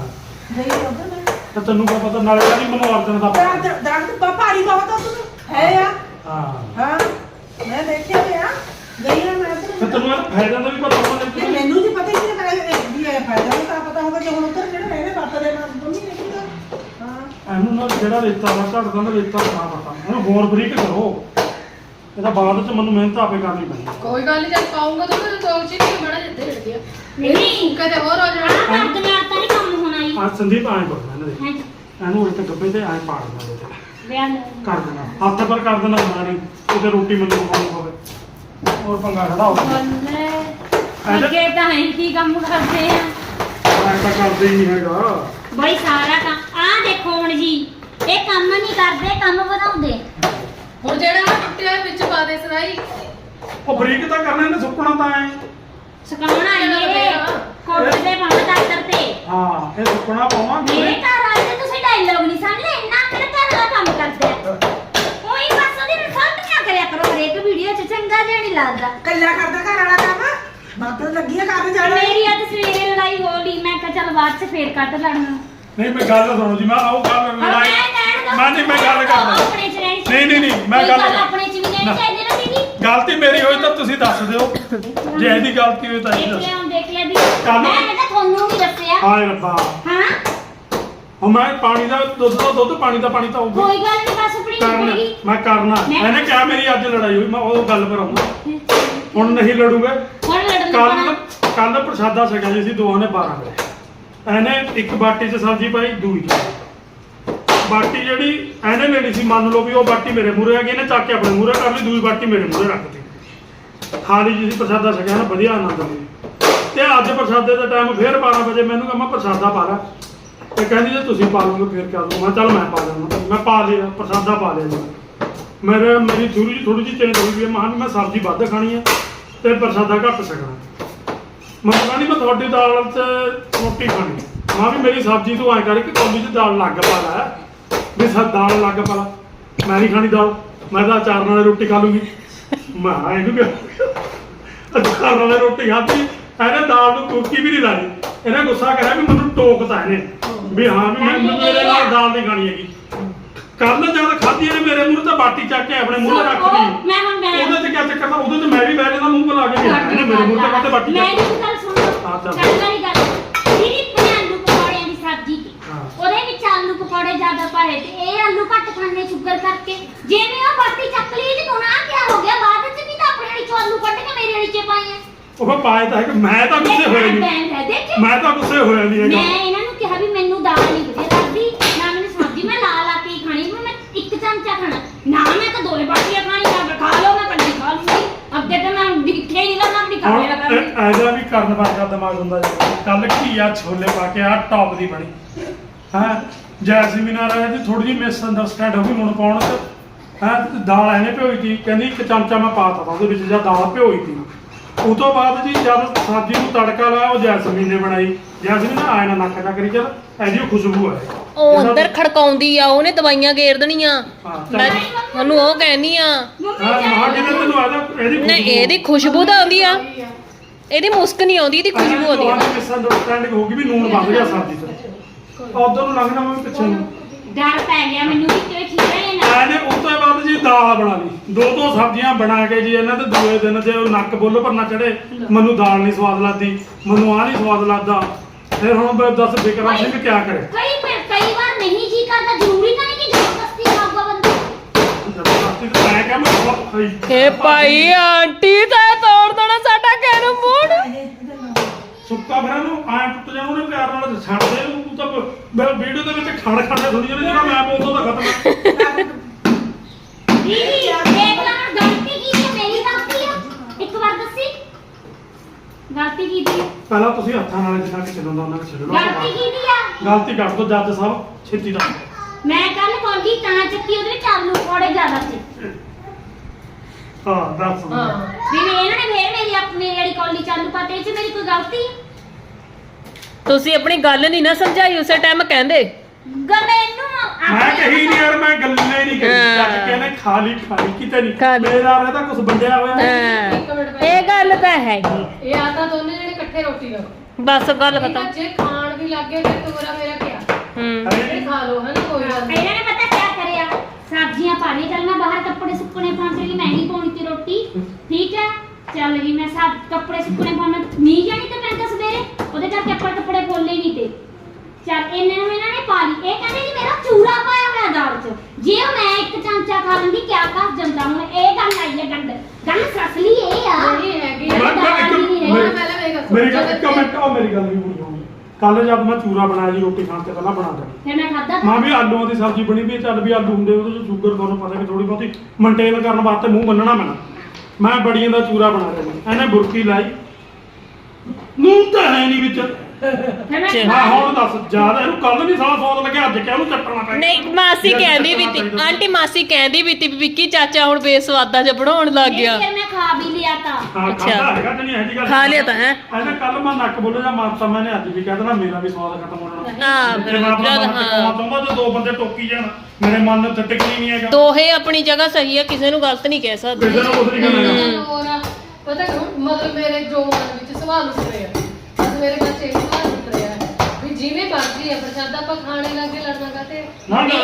Speaker 1: ਤੇ ਤੈਨੂੰ ਕੀ ਪਤਾ ਨਾਲੇ ਕਹਿੰਦੀ ਮੈਨੂੰ ਅਰਜਨ ਦਾ ਪਤਾ।
Speaker 2: ਦਰਖਤ ਭਾਰੀ ਬਹੁਤ ਆ ਤੁਹਾਨੂੰ ਹੈ ਆ।
Speaker 1: ਹਾਂ
Speaker 2: ਹਾਂ ਮੈਂ ਦੇਖਿਆ ਤੇ ਆ ਗਈ ਆ ਮੈਂ
Speaker 1: ਤੇ ਤੈਨੂੰ ਇਹਦਾ ਫਾਇਦਾ ਦਾ ਵੀ ਪਤਾ ਹੋਣਾ
Speaker 2: ਤੇ
Speaker 1: ਚਾਹੀਦਾ।
Speaker 2: ਮੈਨੂੰ ਨਹੀਂ ਪਤਾ ਕਿ ਮੈਂ ਵੀ ਇਹ ਫਾਇਦਾ ਨਹੀਂ ਤਾਂ ਪਤਾ ਹੋਗਾ ਜੇ ਹੁਣ ਉੱਧਰ ਜਿਹੜੇ ਰਹਿਣੇ ਵਰਤਦੇ ਮੈਂ ਮੰਮੀ ਨੇ ਕਿਹਾ। ਹਾਂ
Speaker 1: ਇਹਨੂੰ ਨਾ ਜਿਹੜਾ ਰੇਤਾ ਦਾ ਘੜਦਾ ਨਾ ਰੇਤਾ ਨਾ ਪਤਾ, ਇਹਨੂੰ ਹੋਰ ਬਰੀਕ ਕਰੋ। ਇਹਦਾ ਬਾਅਦ ਚ ਮੈਨੂੰ ਮਿਹਨਤ ਆਪੇ ਕਰਨੀ ਪੈਣੀ।
Speaker 4: ਕੋਈ ਗੱਲ ਨਹੀਂ, ਜਦ ਪਾਉਂਗਾ ਤਾਂ ਮੈਂ ਦੋ ਚੀਜ਼ ਨਹੀਂ ਬੜਾ ਜਿੱਦੇ ਹਿੜ ਗਿਆ।
Speaker 3: ਨਹੀਂ
Speaker 4: ਕਦੇ ਹੋਰ ਹੋ ਜਾਣਾ।
Speaker 3: ਮਰਦ ਨਾਲ ਤਾਂ ਨਹੀਂ ਕੰਮ ਹੋਣਾ ਜੀ।
Speaker 1: ਅੱਜ ਸੰਦੀਪ ਆਏ ਬੋਲਣਾ ਇਹਨਾਂ ਦੇ,
Speaker 3: ਹਾਂਜੀ
Speaker 1: ਇਹਨੂੰ ਇੱਥੇ ਗੱਬੇ ਤੇ ਆਏ ਪਾੜ ਦੇਣਾ ਇਹਦੇ ਤੇ।
Speaker 3: ਵਿਆਹ
Speaker 1: ਕਰ ਦੇਣਾ ਹੱਥ ਪਰ ਕਰ ਦੇਣਾ ਮਾਰੀ ਉਹਦੇ ਰੋਟੀ ਮੈਨੂੰ ਖਾਣੀ ਹੋਵੇ ਹੋਰ ਪੰਗਾ ਖੜਾ ਹੋ
Speaker 3: ਬੱਲੇ ਅੱਗੇ ਤਾਂ ਹੈ ਕੀ ਕੰਮ ਕਰਦੇ ਆ।
Speaker 1: ਮੈਂ ਤਾਂ ਕਰਦੇ ਹੀ ਨਹੀਂ ਹੈਗਾ।
Speaker 3: ਬਈ ਸਾਰਾ ਕੰਮ ਆ ਦੇਖੋ ਹੁਣ ਜੀ, ਇਹ ਕੰਮ ਨਹੀਂ ਕਰਦੇ, ਕੰਮ ਵਧਾਉਂਦੇ।
Speaker 4: ਹੁਣ ਜਿਹੜਾ ਆਹ ਟੁੱਟਿਆ ਵਿੱਚ ਪਾ ਦੇ ਸਦਾਈ।
Speaker 1: ਉਹ ਬਰੀਕ ਤਾਂ ਕਰਨਾ ਇਹਨੇ, ਸੁੱਕਣਾ ਤਾਂ ਐ।
Speaker 3: ਸੁਕਾਉਣਾ ਇਹ ਕੋਟ ਦੇ ਪਾਉਣਾ ਡਾਕਟਰ ਤੇ।
Speaker 1: ਹਾਂ ਇਹ ਸੁੱਕਣਾ ਪਾਵਾਂਗੇ।
Speaker 3: ਮੇਰੇ ਘਰ ਵਾਲੇ ਤੇ ਤੁਸੀਂ ਡਾਇਲੋਗ ਨਹੀਂ ਸਮਝਦੇ, ਇੰਨਾ ਮੇਰੇ ਘਰ ਵਾਲਾ ਕੰਮ ਕਰਦੇ ਆ। ਕੋਈ ਬਸ ਉਹਦੀ ਰਿਸਲਟ ਨਾ ਕਰਿਆ ਕਰੋ ਹਰੇਕ ਵੀਡੀਓ 'ਚ, ਚੰਗਾ ਜਿਹਾ ਨਹੀਂ ਲੱਗਦਾ।
Speaker 2: ਕੱਲਾ ਕਰਦਾ ਘਰ ਵਾਲਾ ਕੰਮ ਮਾਤਰ ਲੱਗੀ ਆ ਕਰਨ ਜਾਣਾ।
Speaker 3: ਮੇਰੀ ਅੱਜ ਸਵੇਰੇ ਲੜਾਈ ਹੋ ਲਈ, ਮੈਂ ਕਿਹਾ ਚੱਲ ਬਾਅਦ 'ਚ ਫੇਰ ਕੱਟ ਲੜਨਾ।
Speaker 1: ਨਹੀਂ ਮੈਂ ਗੱਲ ਸੁਣੋ ਜੀ, ਮੈਂ ਉਹ ਗੱਲ ਲੜਾਈ ਮੈਂ ਨਹੀਂ ਮੈਂ ਗੱਲ ਕਰਦਾ।
Speaker 3: ਆਪਣੇ 'ਚ ਰਹਿਣੀ
Speaker 1: ਨਹੀਂ ਮੈਂ
Speaker 3: ਗੱਲ
Speaker 1: ਗੱਲ
Speaker 3: ਆਪਣੇ 'ਚ ਵੀ ਨਹੀਂ ਚਾਹੀਦੀ ਨਾ ਦੀਦੀ।
Speaker 1: ਗਲਤੀ ਮੇਰੀ ਹੋਈ ਤਾਂ ਤੁਸੀਂ ਦੱਸ ਦਿਓ, ਜੇ ਇਹਦੀ ਗਲਤੀ ਹੋਈ ਤਾਂ ਇਹ
Speaker 3: ਦੇਖ
Speaker 1: ਦੱਸੋ।
Speaker 3: ਲਿਆ ਹੁਣ ਦੇਖ ਲਿਆ ਦੀ।
Speaker 1: ਕੱਲ੍ਹ-
Speaker 3: ਮੈਂ ਤਾਂ ਤੁਹਾਨੂੰ ਵੀ ਦੱਸਿਆ।
Speaker 1: ਹਾਏ ਰੱਬਾ,
Speaker 3: ਹਾਂ
Speaker 1: ਹੁਣ ਮੈਂ ਪਾਣੀ ਦਾ ਦੁੱਧ ਪਾਣੀ ਦਾ ਪਾਣੀ ਤਾਂ ਹੋਊਗਾ।
Speaker 3: ਕੋਈ ਗੱਲ ਨਹੀਂ, ਬਸ ਆਪਣੀ
Speaker 1: ਕਰਨਾ
Speaker 3: ਨਿਕਲੇਗੀ।
Speaker 1: ਮੈਂ ਕਰਨਾ। ਇਹਨੇ ਕਿਹਾ ਮੇਰੀ ਅੱਜ ਲੜਾਈ ਹੋਈ, ਮੈਂ ਉਹ ਗੱਲ ਪਰ ਆਉਂਦਾ। ਹੁਣ ਨਹੀਂ ਲੜੂਗੇ।
Speaker 3: ਹੁਣ ਲੜਨ
Speaker 1: ਕੱਲ ਪ੍ਰਸ਼ਾਦਾ ਛਕਿਆ ਜੀ ਅਸੀਂ ਦੋਹਾਂ ਨੇ 12 ਵਜੇ। ਇਹਨੇ ਇੱਕ ਬਾਟੀ 'ਚ ਸਬਜ਼ੀ ਪਾਈ, ਦੂਈ 'ਚ ਬਾਟੀ ਜਿਹੜੀ ਇਹਨੇ ਲੈਣੀ ਸੀ, ਮੰਨ ਲਓ ਵੀ ਉਹ ਬਾਟੀ ਮੇਰੇ ਮੂਹਰੇ ਆ ਗਈ, ਇਹਨੇ ਚੱਕ ਕੇ ਆਪਣੇ ਮੂਹਰੇ ਕਰ ਲਈ, ਦੂਈ ਬਾਟੀ ਮੇਰੇ ਮੂਹਰੇ ਰੱਖਤੀ। ਖਾਲੀ ਜੀ ਸੀ ਪ੍ਰਸ਼ਾਦਾ ਛਕਿਆ ਨਾ, ਵਧੀਆ ਆਨੰਦ ਲਿਆ। ਤੇ ਅੱਜ ਪ੍ਰਸ਼ਾਦੇ ਦਾ ਟਾਈਮ ਫੇਰ 12 ਵਜੇ ਮੈਨੂੰ ਕਹਿੰਦਾ ਪ੍ਰਸ਼ਾਦਾ ਪਾ ਲਾ। ਤੇ ਕਹਿੰਦੀ ਜੇ ਤੁਸੀਂ ਪਾ ਲਓਗੇ ਫਿਰ ਕਿਆ ਦੂੰ। ਮੈਂ ਚੱਲ ਮੈਂ ਪਾ ਲੈਣਾ। ਮੈਂ ਪਾ ਲਿਆ ਪ੍ਰਸ਼ਾਦਾ, ਪਾ ਲਿਆ ਜੀ। ਮੇਰੀ ਥੋੜੀ ਜਿਹੀ ਚੇਂਜ ਹੋ ਗਈ। ਮੈਂ ਸਬਜ਼ੀ ਵੱਧ ਖਾਣੀ ਹੈ ਤੇ ਪ੍ਰਸ਼ਾਦਾ ਘੱਟ ਛਕਣਾ। ਮੈਂ ਕਹਿੰਦੀ ਮੈਂ ਤੁਹਾਡੀ ਦਾਲ 'ਚ ਰੋਟੀ ਖਾਣੀ। ਮੈਂ ਵੀ ਮੇਰੀ ਸਬਜ਼ੀ ਤੋਂ ਐਂ ਕਰਕੇ ਕੌਲੀ 'ਚ ਦਾਲ ਲੱਗ ਪਾ ਲੈ ਵੀ ਦਾਲ ਲੱਗ ਪਲਾ, ਮੈਂ ਨਹੀਂ ਖਾਣੀ ਦਾਲ, ਮੈਂ ਤਾਂ ਅਚਾਰ ਨਾਲ ਰੋਟੀ ਖਾ ਲੂੰਗੀ। ਮੈਂ ਇਹਨੂੰ ਕਿਹਾ ਅਚਾਰ ਨਾਲ ਰੋਟੀ ਖਾਧੀ, ਇਹਨੇ ਦਾਲ ਨੂੰ ਕੁੱਕੀ ਵੀ ਨਹੀਂ ਲਾਈ। ਇਹਨੇ ਗੁੱਸਾ ਕਰਿਆ ਵੀ ਮੈਨੂੰ ਟੋਕਤਾ ਇਹਨੇ ਵੀ ਹਾਂ ਵੀ ਮੈਂ ਮੇਰੇ ਨਾਲ ਦਾਲ ਨਹੀਂ ਖਾਣੀ ਹੈਗੀ। ਕੱਲ ਜਦ ਖਾਧੀ ਇਹਨੇ ਮੇਰੇ ਮੂੰਹ ਤੇ ਬਾਟੀ ਚੱਕ ਕੇ ਆਪਣੇ ਮੂੰਹ 'ਤੇ ਰੱਖਦੀ, ਉਹਦੇ 'ਚ ਕਿਆ ਚੱਕਰ ਦਾ, ਉਹਦੇ 'ਚ ਮੈਂ ਵੀ ਬਹਿ ਜਾਂਦਾ ਮੂੰਹ ਬੁਲਾ ਕੇ ਗਿਆ, ਇਹਨੇ ਮੇਰੇ ਮੂੰਹ ਤੇ ਕਾਹਤੇ ਬਾਟੀ
Speaker 3: ਮੈਂ
Speaker 1: ਚੱਕ
Speaker 3: ਇਹ ਗੱਲ ਸੁਣੋ,
Speaker 1: ਹਾਂ ਚੱਲ।
Speaker 3: ਚੱਲ ਵਾਲੀ ਗੱਲ ਜਿਹੜੀ ਆਲੂ ਪਕੌੜਿਆਂ ਦੀ ਸਬਜ਼ੀ ਸੀ,
Speaker 1: ਹਾਂ।
Speaker 3: ਉਹਦੇ ਵਿੱਚ ਆਲੂ ਪਕੌੜੇ ਜ਼ਿਆਦਾ ਪਾਏ ਤੇ ਇਹ ਆਲੂ ਘੱਟ ਖਾਣੇ ਸ਼ੂਗਰ ਕਰਕੇ, ਜਿਵੇਂ ਉਹ ਬਾਟੀ ਚੱਕ ਲਈ ਤੇ ਕੋਨਾ ਕਿਆ ਹੋ ਗਿਆ, ਬਾਅਦ ਵਿੱਚ ਵੀ ਤਾਂ ਆਪਣੇ ਵਾਲੀ ਚੋਂ ਆਲੂ ਕੱਢ ਕੇ ਮੇਰੇ ਵਾਲੀ 'ਚ ਪਾਏ ਆ।
Speaker 1: ਉਹ ਪਾਏ ਤਾਂ ਹੈ ਕਿ ਮੈਂ ਤਾਂ ਗੁੱਸੇ ਹੋਇਆ ਨਹੀਂ, ਮੈਂ ਤਾਂ ਗੁੱਸੇ ਹੋਇਆ ਨਹੀਂ ਹੈਗਾ।
Speaker 3: ਮੈਂ ਇਹਨਾਂ ਨੂੰ ਕਿਹਾ ਵੀ ਮੈਨੂੰ ਦਾਲ ਨਹੀਂ ਵਧੀਆ ਲੱਗਦੀ, ਨਾ ਮੈਨੂੰ ਸਬਜ਼ੀ, ਮੈਂ ਲਾ ਲਾ ਕੇ ਹੀ ਖਾਣੀ, ਮੈਂ ਇੱਕ ਚਮਚਾ ਖਾਣਾ ਨਾ, ਮੈਂ ਤਾਂ ਦੋਏ ਬਾਟੀਆਂ ਖਾਣੀ, ਨਾ ਖਾ ਲਓ ਮੈਂ ਕੱਢੀ ਖਾ ਲੂੰਗੀ। ਅੱਗੇ ਤਾਂ ਮੈਂ ਦਿਖੇ ਹੀ ਨਾ ਆਪਣੀ
Speaker 1: ਹੁਣ
Speaker 3: ਖਾਣੇ ਲਗਾ
Speaker 1: ਐਦਾ ਵੀ ਕਰਨ ਵਰਗਾ ਦਿਮਾਗ ਹੁੰਦਾ ਜੀ। ਕੱਲ ਘੀਆ ਛੋਲੇ ਪਾ ਕੇ ਆ ਟੌਪ ਦੀ ਬਣੀ ਹੈ, ਜੈਸਮੀਨ ਆ ਰਹੀ ਸੀ, ਥੋੜੀ ਜਿਹੀ ਮਿਸ ਅੰਡਰਸਟੈਂਡ ਹੋ ਗਈ ਹੁਣ ਪਾਉਣ ਚ ਹੈ। ਦਾਲ ਐਨੇ ਭਿਓਈ ਤੀ, ਕਹਿੰਦੀ ਇੱਕ ਚਮਚਾ ਮੈਂ ਪਾਤਾ ਉਹਦੇ ਵਿੱਚ, ਜਾਂ ਦਾਲ ਭਿਓਈ ਤੀ। ਉਹ ਤੋਂ ਬਾਅਦ ਜੀ ਜਦ ਸਬਜ਼ੀ ਨੂੰ ਤੜਕਾ ਲਾਇਆ, ਉਹ ਜੈਸਮੀਨ ਨੇ ਬਣਾਈ। ਜੈਸਮੀਨ ਨੇ ਆਏ ਨਾ ਨੱਕ ਜਾ ਕਰੀ ਚੱਲ ਇਹਦੀ ਖੁਸ਼ਬੂ ਹੈ,
Speaker 5: ਉਹ ਅੰਦਰ ਖੜਕਾਉਂਦੀ ਆ, ਉਹਨੇ ਦਵਾਈਆਂ ਗੇਰ ਦੇਣੀਆਂ। ਮੈਂ ਉਹਨੂੰ ਉਹ ਕਹਿਨੀ ਆ
Speaker 1: ਮਹਾ ਜਿਹਨੇ ਤੈਨੂੰ ਆਦਾ ਇਹਦੀ
Speaker 5: ਨਹੀਂ, ਇਹਦੀ ਖੁਸ਼ਬੂ ਤਾਂ ਆਉਂਦੀ ਆ, ਇਹਦੀ ਮੁਸਕ ਨਹੀਂ ਆਉਂਦੀ, ਇਹਦੀ ਖੁਸ਼ਬੂ ਆਉਂਦੀ ਆ।
Speaker 1: ਮਿਸ ਅੰਡਰਸਟੈਂਡਿੰਗ ਹੋ ਗਈ ਵੀ ਨੂਣ ਵੱਧ ਗਿਆ ਸਬਜ਼ੀ ਤੇ, ਉਧਰ ਨੂੰ ਲੰਘਣਾ ਮੈਂ ਪਿੱਛੇ ਨੂੰ
Speaker 3: ਡਰ ਪੈ ਗਿਆ ਮੈਨੂੰ ਵੀ ਕਿ ਖੀਰੇ ਨਾ।
Speaker 1: ਇਹਨੇ ਉਸ ਤੋਂ ਬਾਅਦ ਜੀ ਦਾਲ ਬਣਾ ਲਈ, ਦੋ ਸਬਜ਼ੀਆਂ ਬਣਾ ਕੇ ਜੀ ਇਹਨਾਂ ਤੇ ਦੂਏ ਦਿਨ ਜੇ ਉਹ ਨੱਕ ਬੁੱਲ ਪਰ ਨਾ ਚੜੇ, ਮੈਨੂੰ ਦਾਲ ਨਹੀਂ ਸਵਾਦ ਲੱਗਦੀ, ਮੈਨੂੰ ਆਹ ਨਹੀਂ ਸਵਾਦ ਲੱਗਦਾ। ਫਿਰ ਹੁਣ ਦੱਸ ਬਿਕਰਮ ਸਿੰਘ ਕਿਆ ਕਰੇ?
Speaker 3: ਕਈ ਵਾਰ ਨਹੀਂ ਜੀ ਕਰਦਾ, ਜ਼ਰੂਰੀ ਤਾਂ ਨਹੀਂ ਕਿ ਜ਼ਬਰਦਸਤੀ ਖਾਊਗਾ ਬੰਦਾ।
Speaker 1: ਜ਼ਬਰਦਸਤੀ ਤਾਂ ਮੈਂ ਕਿਹਾ ਮੈਂ ਬਹੁਤ ਖਾਈ।
Speaker 5: ਏ ਭਾਈ ਆਂਟੀ ਤਾਂ ਤੋੜ ਦੇਣਾ ਸਾਡਾ ਕੈਰਮ ਬੋਰਡ।
Speaker 1: ਸੁੱਕਾ ਫਿਰ ਇਹਨੂੰ ਐਂ ਟੁੱਟ ਜਾਣਾ, ਉਹਨੇ ਪਿਆਰ ਨਾਲ ਛੱਡ ਦੇ ਇਹਨੂੰ। ਤੂੰ ਤਾਂ ਮੈਂ ਵੀਡੀਓ ਦੇ ਵਿੱਚ ਖੜ ਖੜੇ ਸੁਣੀ ਜਾਂਦੇ, ਜਿਹੜਾ ਮੈਂ ਬੋਲਦਾ ਤਾਂ ਖਤਮ ਹੈ।
Speaker 3: ਦੀਦੀ ਦੇਖ ਲਾ ਹੁਣ ਗਲਤੀ ਕੀ ਹੈ, ਮੇਰੀ ਗਲਤੀ ਆ, ਇੱਕ ਵਾਰ ਦੱਸੀ ਗਲਤੀ ਕੀ ਦੀ?
Speaker 1: ਪਹਿਲਾਂ ਤੁਸੀਂ ਹੱਥਾਂ ਨਾਲ ਜਿੰਨਾ ਕਿ ਚੱਲਦਾ ਉਹਨਾਂ ਨੇ ਛੱਡਣਾ।
Speaker 3: ਗਲਤੀ ਕੀ ਦੀ ਆ?
Speaker 1: ਗਲਤੀ ਕੱਢ ਦੋ ਜੱਜ ਸਾਹਿਬ ਛੇਤੀ ਦਾ।
Speaker 3: ਮੈਂ ਕੱਲ ਕੌਲੀ ਤਾਂ ਚੱਕੀ, ਉਹਦੇ ਵਿੱਚ ਆਲੂ ਪਕੌੜੇ ਜ਼ਿਆਦਾ ਸੀ।
Speaker 1: ਹਾਂ ਦੱਸ।
Speaker 4: ਹਾਂ
Speaker 3: ਵੀ ਇਹਨਾਂ ਨੇ ਫੇਰ ਮੇਰੀ ਆਪਣੀ ਜਿਹੜੀ ਕੌਲੀ ਚਾਲੂ ਪਾਤੇ, ਇਹ 'ਚ ਮੇਰੀ ਕੋਈ ਗਲਤੀ ਹੈ?
Speaker 5: ਤੁਸੀਂ ਆਪਣੀ ਗੱਲ ਨਹੀਂ ਨਾ ਸਮਝਾਈ ਉਸੇ ਟਾਈਮ ਕਹਿੰਦੇ।
Speaker 3: ਗੱਲ ਇਹਨੂੰ
Speaker 1: ਮੈਂ ਕਹੀ ਨਹੀਂ ਯਾਰ, ਮੈਂ ਗੱਲੇ ਨਹੀਂ ਕਰੀ। ਚੱਕ ਕੇ ਨੇ ਖਾਲੀ ਕਿਤੇ
Speaker 5: ਖਾ
Speaker 1: ਨਹੀਂ,
Speaker 5: ਲਈ।
Speaker 1: ਮੇਰਾ ਰਹਿਦਾ ਕੁਝ ਵੰਡਿਆ ਹੋਇਆ।
Speaker 4: ਇੱਕ ਮਿੰਟ ਪਹਿਲਾਂ
Speaker 5: ਇਹ ਗੱਲ ਤਾਂ ਹੈਗੀ,
Speaker 4: ਇਹ ਆ ਤਾਂ ਦੋਨੇ ਜਿਹੜੇ ਇਕੱਠੇ ਰੋਟੀ ਖਾਓ।
Speaker 5: ਬਸ ਗੱਲ
Speaker 4: ਠੀਕ ਆ,
Speaker 5: ਖਤਮ।
Speaker 4: ਜੇ ਖਾਣ ਵੀ ਲੱਗੇ ਫਿਰ ਤੋਰਾ ਮੇਰਾ ਕਿਆ
Speaker 5: ਹੂੰ
Speaker 4: ਇਹ ਖਾ ਲਓ ਹੈ ਨਾ, ਕੋਈ ਗੱਲ ਨਹੀਂ।
Speaker 3: ਇਹਨਾਂ ਨੇ ਪਤਾ ਕਿਆ ਕਰਿਆ, ਸਬਜ਼ੀਆਂ ਪਾ ਲਈ, ਚੱਲ ਮੈਂ ਬਾਹਰ ਕੱਪੜੇ ਸੁੱਕਣੇ ਪਾਉਣ ਚਲੀ, ਮੈਂ ਨਹੀਂ ਪਾਉਣੀ ਤੇ ਰੋਟੀ, ਠੀਕ ਹੈ ਚੱਲ ਗਈ ਮੈਂ ਸਭ ਕੱਪੜੇ ਸੁੱਕਣੇ ਪਾਉਣ, ਨਹੀਂ ਜਾਣੀ ਤੇ ਪੈਂਦਾ ਸਵੇਰੇ, ਉਹਦੇ ਕਰਕੇ ਕੱਪੜੇ ਪੋਲੇ ਨਹੀਂ ਤੇ ਚੱਲ ਇਹਨਾਂ ਨੇ ਪਾ ਲਈ। ਇਹ ਕਹਿੰਦੇ ਜੀ ਮੇਰਾ ਚੂਰਾ ਪਾਇਆ ਹੋਇਆ ਦਾਲ 'ਚ, ਜੇ ਉਹ ਮੈਂ ਇੱਕ ਚਮਚਾ ਖਾ ਲੈਂਦੀ ਕਿਆ ਕਰ ਜਾਂਦਾ। ਹੁਣ ਇਹ ਗੱਲ ਆਈ ਹੈ, ਗੱਲ ਸਸਲੀ ਇਹ ਆ।
Speaker 4: ਨਹੀਂ ਹੈਗੀ
Speaker 1: ਮੈਂ-
Speaker 4: ਆ।
Speaker 1: ਮੈਂ ਇੱਕ-
Speaker 4: ਹੁਣ ਪਹਿਲਾਂ ਮੇਰੀ ਗੱਲ ਸੁਣ।
Speaker 1: ਮੇਰੀ ਗੱਲ ਇੱਕ ਮਿੰਟ, ਉਹ ਮੇਰੀ ਗੱਲ ਨਹੀਂ ਪੂਰੀ ਹੋਣੀ। ਕੱਲ ਜਦ ਮੈਂ ਚੂਰਾ ਬਣਾਇਆ ਜੀ ਰੋਟੀ ਖਾਣ ਤੋਂ ਪਹਿਲਾਂ ਬਣਾ ਦਿੱਤਾ,
Speaker 3: ਫਿਰ ਮੈਂ ਖਾਧਾ
Speaker 1: ਮਾਂ ਵੀ ਆਲੂਆਂ ਦੀ ਸਬਜ਼ੀ ਬਣੀ ਵੀ, ਚੱਲ ਵੀ ਆਲੂ ਹੁੰਦੇ ਉਹਦੇ ਚ ਸ਼ੂਗਰ ਤੁਹਾਨੂੰ ਪਤਾ ਕਿ ਥੋੜੀ ਬਹੁਤੀ ਮੇਨਟੇਨ ਕਰਨ ਵਾਸਤੇ ਮੂੰਹ ਬੰਨਣਾ ਪੈਣਾ। ਮੈਂ ਬੜੀਆਂ ਦਾ ਚੂਰਾ ਬਣਾ ਰਿਹਾ ਜੀ, ਇਹਨੇ ਬੁਰਕੀ ਲਾਈ, ਨੂਨ ਤਾਂ ਹੈ ਨਹੀਂ ਵਿੱਚ।
Speaker 3: ਫਿਰ ਮੈਂ
Speaker 1: ਮੈਂ ਹੁਣ ਦੱਸ, ਜਿਆਦਾ ਇਹਨੂੰ ਕੱਲ ਨਹੀਂ ਸਾਲਾ ਸਵਾਦ ਲੱਗਿਆ, ਅੱਜ ਕਿਆ ਉਹਨੂੰ ਚੱਟਣਾ ਪੈ ਗਿਆ।
Speaker 5: ਨਹੀਂ, ਮਾਸੀ ਕਹਿੰਦੀ ਵੀ ਤੀ, ਆਂਟੀ ਮਾਸੀ ਕਹਿੰਦੀ ਵੀ ਤੀ ਵੀ ਵਿੱਕੀ ਚਾਚਾ ਹੁਣ ਬੇਸਵਾਦਾ ਜਿਹਾ ਬਣਾਉਣ ਲੱਗ ਗਿਆ।
Speaker 3: ਫਿਰ ਮੈਂ ਖਾ ਵੀ ਲਿਆ ਤਾਂ।
Speaker 1: ਹਾਂ
Speaker 5: ਅੱਛਾ।
Speaker 1: ਖਾਦਾ ਹੈਗਾ ਕਿ ਨਹੀਂ ਇਹ ਜੀ ਗੱਲ
Speaker 5: ਖਾ ਲਿਆ ਤਾਂ ਹੈ।
Speaker 1: ਇਹਨੇ ਕੱਲ ਮੈਂ ਨੱਕ ਬੋਲੇ ਜਾਂ ਮਾਰਤਾ, ਮੈंने ਅੱਜ ਵੀ ਕਹਿ ਦੇਣਾ ਮੇਰਾ ਵੀ ਸਵਾਦ ਖਤਮ ਹੋ ਜਾਣਾ।
Speaker 5: ਹਾਂ ਫਿਰ
Speaker 1: ਜੇ ਮੈਂ ਆਪਣਾ
Speaker 5: ਜਦ
Speaker 1: ਮਨ ਟਿਕਾਉਣਾ ਚਾਹੁੰਦਾ, ਜੇ ਦੋ ਬੰਦੇ ਟੋਕੀ ਜਾਣ, ਮੇਰੇ ਮਨ ਨੂੰ ਤੇ ਟਿਕਣੀ ਨਹੀਂ ਹੈਗਾ।
Speaker 5: ਦੋਹੇ ਆਪਣੀ ਜਗ੍ਹਾ ਸਹੀ ਆ, ਕਿਸੇ ਨੂੰ ਗਲਤ ਨਹੀਂ ਕਹਿ ਸਕਦੇ।
Speaker 1: ਕਿਸੇ ਨੂੰ ਕੁਝ ਨਹੀਂ ਕਰਨਾ ਹੈਗਾ।
Speaker 4: ਹੋਰ ਆ, ਪਤਾ ਕਿਉਂ ਮਤਲਬ ਮੇਰੇ ਜੋ ਮਨ ਵਿੱਚ ਸਵਾਲ ਉੱਠ ਰਿਹਾ, ਅੱਜ ਮੇਰੇ ਬੱਚੇ ਇਹ ਸਵਾਲ ਉੱਠ ਰਿਹਾ ਹੈ ਵੀ ਜਿਵੇਂ ਮਰਜ਼ੀ ਹੈ ਪ੍ਰਸ਼ਾਦਾ ਆਪਾਂ ਖਾਣੇ ਲੱਗੇ ਲੜਨਾ ਕਾਤੇ।
Speaker 1: ਨਾ ਨਾ